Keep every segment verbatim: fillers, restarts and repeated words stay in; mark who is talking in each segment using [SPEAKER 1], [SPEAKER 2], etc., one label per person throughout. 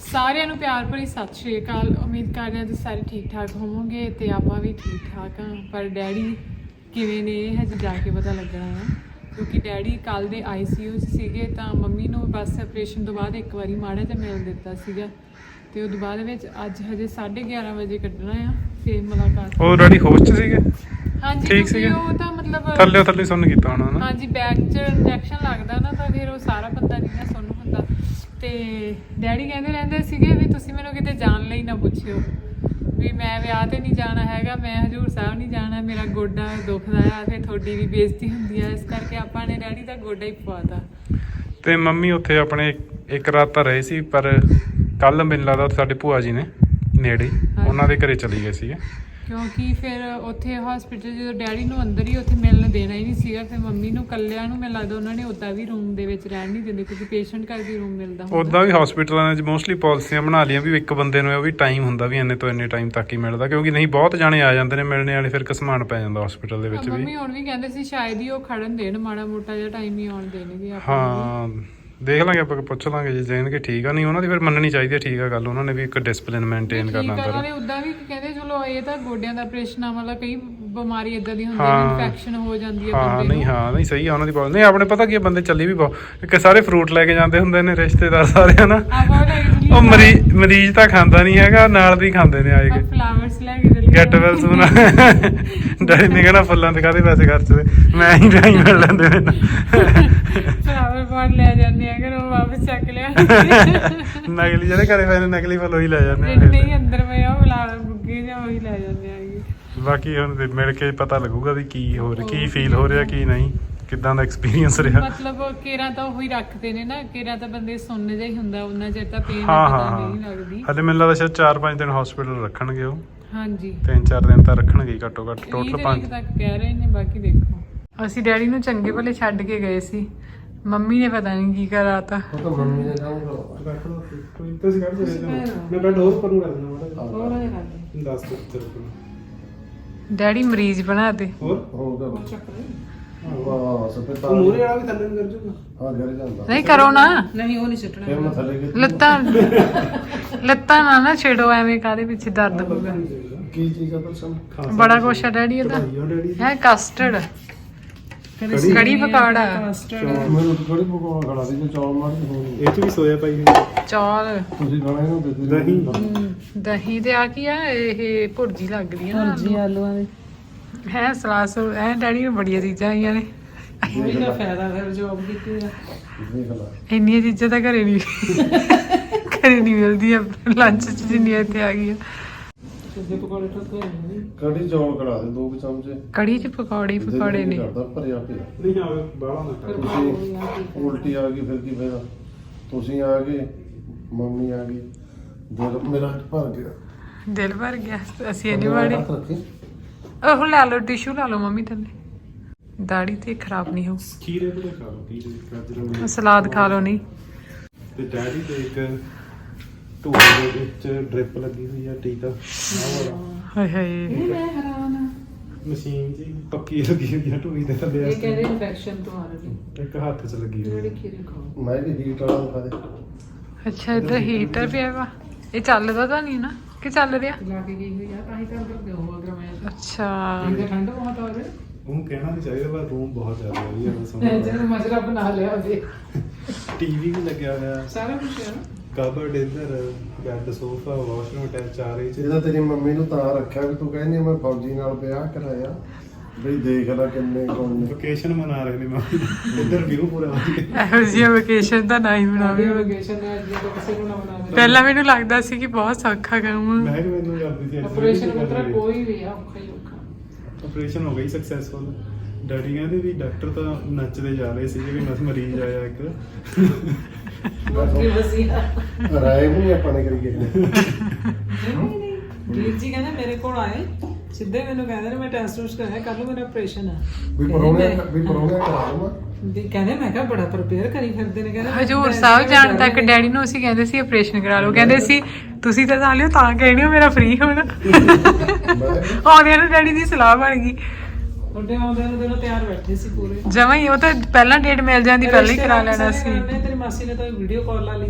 [SPEAKER 1] ਸਾਰਿਆਂ ਨੂੰ ਪਿਆਰ ਭਰੀ ਸਤਿ ਸ਼੍ਰੀ ਅਕਾਲ। ਉਮੀਦ ਕਰਦੇ ਹਾਂ ਤੁਸੀਂ ਸਾਰੇ ਠੀਕ ਠਾਕ ਹੋਵੋਗੇ ਤੇ ਆਪਾਂ ਵੀ ਠੀਕ ਠਾਕ ਹਾਂ। ਪਰ ਡੈਡੀ ਕਿਵੇਂ ਨੇ ਇਹ ਹਜੇ ਜਾ ਕੇ ਪਤਾ ਲੱਗਣਾ ਹੈ, ਕਿਉਂਕਿ ਡੈਡੀ ਕੱਲ੍ਹ ਦੇ ਆਈ ਸੀ ਯੂ 'ਚ ਸੀਗੇ ਤਾਂ ਮੰਮੀ ਨੂੰ ਬਸ ਆਪਰੇਸ਼ਨ ਤੋਂ ਬਾਅਦ ਇੱਕ ਵਾਰੀ ਮਾੜਾ ਜਿਹਾ ਮਿਲ ਦਿੱਤਾ ਸੀਗਾ ਤੇ ਉਹਦੇ ਬਾਅਦ ਵਿੱਚ ਅੱਜ ਹਜੇ ਸਾਢੇ ਗਿਆਰਾਂ ਵਜੇ ਕੱਢਣਾ ਆ ਫਿਰ ਮੁਲਾਕਾਤ।
[SPEAKER 2] ਉਹ ਰੈਡੀ ਹੋਸ਼ 'ਚ ਸੀਗੇ?
[SPEAKER 1] ਹਾਂਜੀ
[SPEAKER 2] ਠੀਕ ਸੀਗੇ।
[SPEAKER 1] ਉਹ ਤਾਂ ਮਤਲਬ
[SPEAKER 2] ਥੱਲੇ ਥੱਲੇ ਸੁਣ ਕੀਤਾ ਹੋਣਾ ਨਾ। ਹਾਂਜੀ
[SPEAKER 1] ਬੈਕ 'ਚ ਇੰਜੈਕਸ਼ਨ ਲੱਗਦਾ ਨਾ ਤਾਂ ਫਿਰ ਉਹ ਸਾਰਾ ਬੰਦਾ ਨਹੀਂ ਨਾ ਸੁਣ ਹੁੰਦਾ। ਤੇ ਡੈਡੀ ਕਹਿੰਦੇ ਰਹਿੰਦੇ ਸੀਗੇ ਵੀ ਤੁਸੀਂ ਮੈਨੂੰ ਕਿਤੇ ਜਾਣ ਲਈ ਨਾ ਪੁੱਛਿਓ ਵੀ ਮੈਂ ਵਿਆਹ ਤੇ ਨਹੀਂ ਜਾਣਾ ਹੈਗਾ, ਮੈਂ ਹਜ਼ੂਰ ਸਾਹਿਬ ਨਹੀਂ ਜਾਣਾ, ਮੇਰਾ ਗੋਡਾ ਦੁਖਦਾ ਆ, ਫਿਰ ਤੁਹਾਡੀ ਵੀ ਬੇਇੱਜ਼ਤੀ ਹੁੰਦੀ ਆ, ਇਸ ਕਰਕੇ ਆਪਾਂ ਨੇ ਡੈਡੀ ਦਾ ਗੋਡਾ ਹੀ ਪਵਾਤਾ।
[SPEAKER 2] ਤੇ ਮੰਮੀ ਉੱਥੇ ਆਪਣੇ ਇੱਕ ਰਾਤ ਤਾਂ ਰਹੇ ਸੀ, ਪਰ ਕੱਲ ਮੈਨੂੰ ਲੱਗਦਾ ਸਾਡੇ ਭੂਆ ਜੀ ਨੇ ਨੇੜੇ ਉਹਨਾਂ ਦੇ ਘਰੇ ਚਲੀ ਗਏ ਸੀਗੇ,
[SPEAKER 1] ਕਿਉਂਕਿ ਫਿਰ ਉੱਥੇ ਹਸਪੀਟਲ ਜਦੋਂ ਡੈਡੀ ਨੂੰ ਅੰਦਰ ਹੀ ਉੱਥੇ ਮਿਲਣ ਦੇਣਾ ਹੀ ਨਹੀਂ ਸੀਗਾ, ਫਿਰ ਮੰਮੀ ਨੂੰ ਇਕੱਲਿਆਂ ਨੂੰ ਮੈਨੂੰ ਲੱਗਦਾ ਉਹਨਾਂ ਨੇ ਉੱਦਾਂ ਵੀ ਰੂਮ ਦੇ ਵਿੱਚ ਰਹਿਣ ਨਹੀਂ ਦਿੰਦੇ ਕਿਉਂਕਿ ਪੇਸ਼ੈਂਟ ਕਰਕੇ ਰੂਮ ਮਿਲਦਾ ਹੁੰਦਾ।
[SPEAKER 2] ਉੱਦਾਂ ਵੀ ਹਸਪੀਟਲਾਂ ਦੇ ਮੋਸਟਲੀ ਪਾਲਿਸੀਆਂ ਬਣਾ ਲਈਆਂ ਵੀ ਇੱਕ ਬੰਦੇ ਨੂੰ ਉਹ ਵੀ ਟਾਈਮ ਹੁੰਦਾ ਵੀ ਇੰਨੇ ਤੋਂ ਇੰਨੇ ਟਾਈਮ ਤੱਕ ਹੀ ਮਿਲਦਾ, ਕਿਉਂਕਿ ਨਹੀਂ ਬਹੁਤ ਜਾਣੇ ਆ ਜਾਂਦੇ ਨੇ ਮਿਲਣੇ ਵਾਲੇ, ਫਿਰ ਘਸਮਾਨ ਪੈ ਜਾਂਦਾ ਹਸਪੀਟਲ ਦੇ ਵਿੱਚ ਵੀ।
[SPEAKER 1] ਮੰਮੀ ਹੁਣ ਵੀ ਕਹਿੰਦੇ ਸੀ ਸ਼ਾਇਦ ਹੀ ਉਹ ਖੜਨ ਦੇਣ, ਮਾੜਾ ਮੋਟਾ ਜਿਹਾ ਟਾਈਮ ਹੀ ਆਉਣ ਦੇਣਗੇ ਆਪਾਂ।
[SPEAKER 2] ਹਾਂ ਦੇਖ ਲਾਂਗੇ ਆਪਾਂ, ਪੁੱਛ ਲਾਂਗੇ ਜੇ ਜਾਣਗੇ ਠੀਕ ਆ, ਨਹੀਂ ਉਹਨਾਂ ਦੀ ਫਿਰ ਮੰਨਣੀ ਚਾਹੀਦੀ ਹੈ। ਠੀਕ ਆ ਗੱਲ, ਉਹਨਾਂ ਨੇ ਵੀ ਇੱਕ ਡਿਸਪਲਿਨ ਮੇਨਟੇਨ ਕਰਨਾ ਹੁੰਦਾ।
[SPEAKER 1] ਉਹਨਾਂ ਨੇ ਉਦਾਂ ਵੀ ਕਹਿੰਦੇ ਚਲੋ ਇਹ ਤਾਂ ਗੋਡਿਆਂ ਦਾ ਆਪਰੇਸ਼ਨ ਆ, ਮਤਲਬ ਕਈ ਬਿਮਾਰੀ ਇਦਾਂ ਦੀ ਹੁੰਦੀ ਹੈ, ਇਨਫੈਕਸ਼ਨ ਹੋ ਜਾਂਦੀ ਹੈ
[SPEAKER 2] ਹਾਂ
[SPEAKER 1] ਬੰਦੇ ਨੂੰ।
[SPEAKER 2] ਨਹੀਂ ਹਾਂ ਨਹੀਂ ਸਹੀ ਆ ਉਹਨਾਂ ਦੀ ਪਾਲਿਸੀ। ਨਹੀਂ ਆਪਣੇ ਪਤਾ ਕੀ ਬੰਦੇ ਚੱਲੀ ਵੀ ਬਹੁਤ ਇੱਕ ਸਾਰੇ ਫਰੂਟ ਲੈ ਕੇ ਜਾਂਦੇ ਹੁੰਦੇ ਨੇ ਰਿਸ਼ਤੇਦਾਰ ਸਾਰੇ ਹਨਾ। ਉਹ ਮਰੀਜ਼ ਮਰੀਜ਼ ਤਾਂ ਖਾਂਦਾ ਨਹੀਂ ਹੈਗਾ, ਨਾਲ ਦੀ ਖਾਂਦੇ ਨੇ ਆਏ ਕੇ
[SPEAKER 1] ਫਲਾਵਰਸ ਲੈ ਕੇ ਚੱਲੀ
[SPEAKER 2] ਗੈਟ ਵੈਲ ਸੂਨ। ਡੈਡੀ ਨੇ ਕਹਿਣਾ ਫੁੱਲਾਂ ਦੇ ਕਾਹਦੇ ਪੈਸੇ ਖਰਚਦੇ, ਮੈਂ ਹੀ ਜਾਈ ਮਿਲ ਲੈਂਦੇ ਮੈਨੂੰ।
[SPEAKER 1] ਫਲਾਵਰ ਪੌਟ ਲੈ ਜਾਂਦੇ ਆ ਕਿ ਉਹ ਵਾਪਸ ਚੱਕ ਲਿਆ।
[SPEAKER 2] ਨਕਲੀ ਜਿਹੜੇ ਘਰੇ ਪਏ ਨੇ ਨਕਲੀ ਫੁੱਲ ਉਹੀ ਲੈ ਜਾਂਦੇ
[SPEAKER 1] ਜਿਹੜੇ ਨਹੀਂ ਅੰਦਰ ਪਏ ਉਹ ਫਲਾਵਰ ਬੁੱਗੇ ਜਾਂ ਉਹੀ ਲੈ ਜਾਂਦੇ ਆਗੇ।
[SPEAKER 2] ਬਾਕੀ ਹੁਣ ਮਿਲ ਕੇ ਪਤਾ ਲੱਗੂਗਾ ਵੀ ਕੀ ਹੋ ਰਿਹਾ, ਕੀ ਫੀਲ ਹੋ ਰਿਹਾ, ਕੀ ਨਹੀਂ, ਕਿੱਦਾਂ ਦਾ ਐਕਸਪੀਰੀਅੰਸ ਰਿਹਾ।
[SPEAKER 1] ਮਤਲਬ ਕੇਰਾਂ ਤਾਂ ਉਹੀ ਰੱਖਦੇ ਨੇ ਨਾ, ਕੇਰਾਂ ਤਾਂ ਬੰਦੇ ਸੁਣਨ ਜਿਹਾ ਹੀ ਹੁੰਦਾ, ਉਹਨਾਂ ਚਿਰ ਤਾਂ ਪੇਨ
[SPEAKER 2] ਹਾਂ
[SPEAKER 1] ਪਤਾ
[SPEAKER 2] ਹਾਂ
[SPEAKER 1] ਨਹੀਂ ਲੱਗਦੀ।
[SPEAKER 2] ਹਲੇ ਮੈਨੂੰ ਲੱਗਦਾ ਸ਼ਾਇਦ ਚਾਰ ਪੰਜ ਦਿਨ ਹਸਪੀਟਲ ਰੱਖਣਗੇ ਉਹ।
[SPEAKER 1] ਹਾਂਜੀ
[SPEAKER 2] ਤਿੰਨ ਚਾਰ ਦਿਨ ਤਾਂ ਰੱਖਣਗੇ ਹੀ ਘੱਟੋ ਘੱਟ, ਟੋਟਲ ਪੰਜ
[SPEAKER 1] ਤੱਕ ਕਹਿ ਰਹੇ ਨੇ, ਬਾਕੀ ਦੇਖੋ। ਅਸੀਂ ਡੈਡੀ ਨੂੰ ਚੰਗੇ ਭਲੇ ਛੱਡ ਕੇ ਗਏ ਸੀ, ਮੰਮੀ ਨੇ ਪਤਾ ਨਹੀਂ ਕੀ ਕਰਾਤਾ।
[SPEAKER 3] ਉਹ ਤਾਂ ਮੰਮੀ ਨੇ ਕੰਮ ਕਰਵਾ
[SPEAKER 2] ਕੋਈ ਤੁਸੀਂ ਕਰ ਮੈਂ ਬੈਡ ਹੋਰ ਕਰੂੰ ਕਰ ਦੇਣਾ
[SPEAKER 1] ਹੋਰ ਹੋ ਜਾ
[SPEAKER 2] ਦਸ ਤੱਕ
[SPEAKER 1] ਡੈਡੀ ਮਰੀਜ਼ ਬਣਾ ਦੇ।
[SPEAKER 2] ਹੋਰ
[SPEAKER 3] ਹੋਊਗਾ ਵਾਹ ਸਪੇ ਤਾਂ
[SPEAKER 2] ਮੂਰੇ ਵਾਲਾ ਵੀ ਥੱਲੇ ਨੂੰ ਕਰ ਜੂਗਾ।
[SPEAKER 3] ਹਾਂ ਘਰ ਜਾਂਦਾ
[SPEAKER 1] ਨਹੀਂ ਕਰੋ ਨਾ,
[SPEAKER 4] ਨਹੀਂ ਉਹ ਨਹੀਂ ਸੁੱਟਣਾ।
[SPEAKER 3] ਫਿਰ ਮੈਂ ਥੱਲੇ ਕਿ
[SPEAKER 1] ਲੱਤਾਂ ਲੱਤਾਂ ਨਾ ਨਾ ਛੇੜੋ, ਐਵੇਂ ਕਾਹਦੇ ਪਿੱਛੇ ਦਰਦ ਹੋਊਗਾ।
[SPEAKER 3] ਕੀ ਚੀਜ਼ ਆ ਪਰਸਨ
[SPEAKER 1] ਬੜਾ ਕੁਛ ਆ ਡੈਡੀ ਇਹਦਾ ਹੈ। ਕਸਟਰਡ, ਕੜੀ ਪਕੌੜਾ,
[SPEAKER 3] ਮੈਨੂੰ ਥੋੜੀ ਪਕੌੜਾ ਖੜਾ ਸੀ ਜੋ ਚੌਲ ਮਾਰ ਕੇ ਹੋਣੀ
[SPEAKER 2] ਇਹ ਚ ਵੀ ਸੋਇਆ ਪਾਈ
[SPEAKER 1] ਚੌਲ,
[SPEAKER 3] ਤੁਸੀਂ ਖਾਣਾ ਇਹਨੂੰ ਦੇ ਦੇ
[SPEAKER 2] ਦਹੀਂ
[SPEAKER 1] ਦਹੀਂ ਤੇ ਆ ਕੀ ਆ ਇਹ ਭੁਰਜੀ ਲੱਗਦੀ ਆ ਨਾ
[SPEAKER 4] ਜੀ ਆਲੂਆਂ ਦੇ
[SPEAKER 1] ਹੈ। ਸਲਾਸ ਐ ਡੈਡੀ ਨੂੰ ਬੜੀਆਂ ਚੀਜ਼ਾਂ ਆਈਆਂ ਨੇ,
[SPEAKER 4] ਉਹੀ ਦਾ ਫਾਇਦਾ ਫਿਰ ਜੋਬ ਕੀਤੀ ਦਾ।
[SPEAKER 3] ਦੇਖ ਲਾ
[SPEAKER 1] ਇੰਨੀਆਂ ਚੀਜ਼ਾਂ ਤਾਂ ਘਰੇ ਨਹੀਂ ਘਰੇ ਨਹੀਂ ਮਿਲਦੀਆਂ ਲੰਚ ਚ ਜਿੰਨੀਆਂ ਇੱਥੇ ਆ ਗਈਆਂ।
[SPEAKER 4] ਸਿੱਧੇ ਪਕੌੜੇ ਠੋਕੇ ਨਹੀਂ।
[SPEAKER 3] ਕੜੀ ਚੌਲ ਕਢਾ ਦੇ ਦੋ ਕੁ ਚਮਚੇ।
[SPEAKER 1] ਕੜੀ ਚ ਪਕੌੜੇ ਪਕੌੜੇ ਨੇ।
[SPEAKER 3] ਕਰਦਾ ਭਰਿਆ ਪਿਆ
[SPEAKER 2] ਨਹੀਂ ਆਵੇ ਬਾਹਲਾ ਨਾ ਕਰ।
[SPEAKER 3] ਤੁਸੀਂ ਉਲਟੀ ਆ ਗਈ ਫਿਰ ਕੀ ਫਾਇਦਾ। ਤੁਸੀਂ ਆ ਗਏ, ਮੰਮੀ ਆ ਗਈ, ਦਿਲ ਮੇਰਾ ਭਰ ਗਿਆ,
[SPEAKER 1] ਦਿਲ ਭਰ ਗਿਆ। ਅਸੀਂ ਇਹਨੇ ਵਾੜੇ
[SPEAKER 3] ਹੱਥ ਰੱਖੀ
[SPEAKER 1] ਉਹ ਲੈ ਲਓ, ਟਿਸ਼ੂ ਲਾ ਲਓ ਮੰਮੀ ਥੱਲੇ, ਦਾੜੀ ਤੇ ਖਰਾਬ ਨਹੀਂ ਹੋ।
[SPEAKER 2] ਖੀਰੇ ਤੇ ਖਾ ਲਓ, ਖੀਰੇ ਗਾਜਰ
[SPEAKER 1] ਸਲਾਦ ਖਾ ਲਓ। ਨਹੀਂ
[SPEAKER 2] ਤੇ ਡੈਡੀ ਤੇ ਇੱਕ ਢੂਹੇ ਦੇ ਵਿੱਚ ਡ੍ਰਿਪ ਲੱਗੀ ਹੋਈ ਆ, ਟੀਕਾ
[SPEAKER 1] ਹਾਏ ਹਾਏ
[SPEAKER 4] ਮੈਂ ਹੈਰਾਨ ਆ।
[SPEAKER 2] ਮਸ਼ੀਨ ਜੀ ਪੱਕੀ ਲੱਗੀ ਹੋਈ ਆ ਢੂਹੀ ਦੇ ਥੱਲੇ।
[SPEAKER 4] ਇਹ ਕਹਿੰਦੇ ਇਨਫੈਕਸ਼ਨ ਤੋਂ ਆ ਰਹੀ
[SPEAKER 2] ਇੱਕ ਹੱਥ 'ਚ ਲੱਗੀ ਹੋਈ
[SPEAKER 4] ਜਿਹੜੇ
[SPEAKER 2] ਆ।
[SPEAKER 4] ਖੀਰੇ ਖਾਓ।
[SPEAKER 3] ਮੈਂ ਵੀ ਹੀਟ ਵਾਲਾ ਦਿਖਾ ਦੇ।
[SPEAKER 1] ਅੱਛਾ ਇੱਧਰ ਹੀਟਰ ਪਿਆ ਵਾ, ਇਹ ਚੱਲਦਾ ਤਾਂ ਨਹੀਂ ਨਾ ਕਿ ਚੱਲ ਰਿਹਾ?
[SPEAKER 4] ਲਾ ਕੇ ਗਈ ਹੋਈ ਆ ਤਾਂ ਹੀ ਤਾਂ ਅੰਦਰ ਦਿਓ ਅਗਰ ਮੈਂ
[SPEAKER 1] ਅੱਛਾ
[SPEAKER 4] ਇਹਦੇ ਠੰਡ ਬਹੁਤ ਆ ਰਹੀ।
[SPEAKER 2] ਉਹਨੂੰ ਕਹਿਣਾ ਨਹੀਂ ਚਾਹੀਦਾ, ਪਰ ਰੂਮ ਬਹੁਤ ਜ਼ਿਆਦਾ ਵਧੀਆ ਹੈ।
[SPEAKER 4] ਮੈਂ
[SPEAKER 2] ਸੋਹਣਾ
[SPEAKER 4] ਜਦੋਂ ਮਜਰਾ ਬਣਾ ਲਿਆ ਉਹਦੇ
[SPEAKER 2] ਟੀਵੀ ਵੀ ਲੱਗਿਆ ਹੋਇਆ,
[SPEAKER 4] ਸਾਰਾ ਕੁਝ ਹੈ ਨਾ।
[SPEAKER 2] ਕਬਰਡ ਇੱਧਰ, ਬੈੱਡ, ਸੋਫਾ, ਵਾਸ਼ਰੂਮ ਅਟੈਚ ਚਾਰੇ 'ਚ।
[SPEAKER 3] ਇਹਦਾ ਤੇਰੀ ਮੰਮੀ ਨੂੰ ਤਾਂ ਰੱਖਿਆ ਵੀ ਤੂੰ ਕਹਿੰਦੀ ਮੈਂ ਫੌਜੀ ਨਾਲ ਵਿਆਹ ਕਰਾਇਆ ਬਈ ਦੇਖ ਲੈ ਕਿੰਨੇ ਕੌਣ ਨੇ।
[SPEAKER 2] ਵਕੇਸ਼ਨ ਮਨਾ ਰਹੇ ਨੇ ਮਾਮੀ, ਇੱਧਰ ਵਿਊ ਪੂਰਾ ਵਧੀਆ।
[SPEAKER 1] ਇਹੋ ਜਿਹੀ ਵਕੇਸ਼ਨ ਤਾਂ ਨਾ ਹੀ ਬਣਾਵੇ।
[SPEAKER 4] ਵਕੇਸ਼ਨ ਹੈ ਜਦੋਂ ਕਿਸੇ ਨੂੰ ਨਾ ਬਣਾ ਦੇ।
[SPEAKER 1] ਪਹਿਲਾਂ ਮੈਨੂੰ ਲੱਗਦਾ ਸੀ ਕਿ ਬਹੁਤ ਸੌਖਾ ਕਰੂੰ।
[SPEAKER 2] ਮੈਂ ਕਿ ਮੈਨੂੰ ਕਰਦੀ ਸੀ
[SPEAKER 4] ਆਪਰੇਸ਼ਨ ਮਤਲਬ ਕੋਈ ਵੀ ਆ ਔਖਾ ਹੀ ਔਖਾ।
[SPEAKER 2] ਆਪਰੇਸ਼ਨ ਹੋ ਗਈ ਸਕਸੈਸਫੁਲ। ਡੈਡੀ ਕਹਿੰਦੇ ਵੀ ਡਾਕਟਰ ਤਾਂ ਨੱਚਦੇ ਜਾ ਰਹੇ ਸੀ ਕਿ ਬਸ ਮਰੀਜ਼ ਆਇਆ ਇੱਕ।
[SPEAKER 4] ਬਾਕੀ ਵਧੀਆ।
[SPEAKER 3] ਰਾਏ ਵੀ ਨਹੀਂ ਆਪਾਂ ਨੇ ਕਰੀਏ।
[SPEAKER 4] ਨਹੀਂ ਨਹੀਂ ਵੀਰ ਜੀ ਕਹਿੰਦੇ ਮੇਰੇ ਕੋਲ ਆਏ ਸਿੱਧੇ ਮੈਨੂੰ ਕਹਿੰਦੇ ਨੇ ਮੈਂ ਟੈਸਟ ਟੂਸਟ ਕਰਾਇਆ, ਕੱਲ ਨੂੰ ਮੇਰਾ ਆਪਰੇਸ਼ਨ ਆ।
[SPEAKER 3] ਵੀ ਪਰੋਣੇ ਵੀ ਪਰੋਣੇ ਕਰਾ ਲਵਾਂ
[SPEAKER 4] ਵੀ ਕਹਿੰਦੇ ਮੈਂ ਕਿਹਾ ਬੜਾ ਪ੍ਰਪੇਅਰ ਕਰੀ ਫਿਰਦੇ ਨੇ। ਕਹਿੰਦੇ
[SPEAKER 1] ਹਜੂਰ ਸਾਹਿਬ ਜਾਣ ਤੱਕ ਡੈਡੀ ਨੂੰ ਅਸੀਂ ਕਹਿੰਦੇ ਸੀ ਆਪਰੇਸ਼ਨ ਕਰਾ ਲਓ, ਕਹਿੰਦੇ ਸੀ ਤੁਸੀਂ ਤਾਂ ਜਾ ਲਿਓ ਤਾਂ ਕਹਿਣੀ ਹੋ ਮੇਰਾ ਫ੍ਰੀ ਹੋਣਾ। ਆਉਂਦਿਆਂ ਨੂੰ ਡੈਡੀ ਦੀ ਸਲਾਹ ਬਣ ਗਈ।
[SPEAKER 4] ਉਹਦੇ ਆਉਂਦੇ ਨੂੰ ਦਿਨੋਂ ਤਿਆਰ ਬੈਠੇ ਸੀ ਪੂਰੇ
[SPEAKER 1] ਜਮਾਂ ਹੀ, ਉਹ ਤਾਂ ਪਹਿਲਾਂ ਡੇਟ ਮਿਲ ਜਾਂਦੀ ਪਹਿਲਾਂ ਹੀ ਕਰਾ ਲੈਣਾ ਸੀ।
[SPEAKER 4] ਤੇਰੀ ਮਾਸੀ ਨੇ ਤਾਂ ਵੀਡੀਓ ਕਾਲ ਲਾ ਲਈ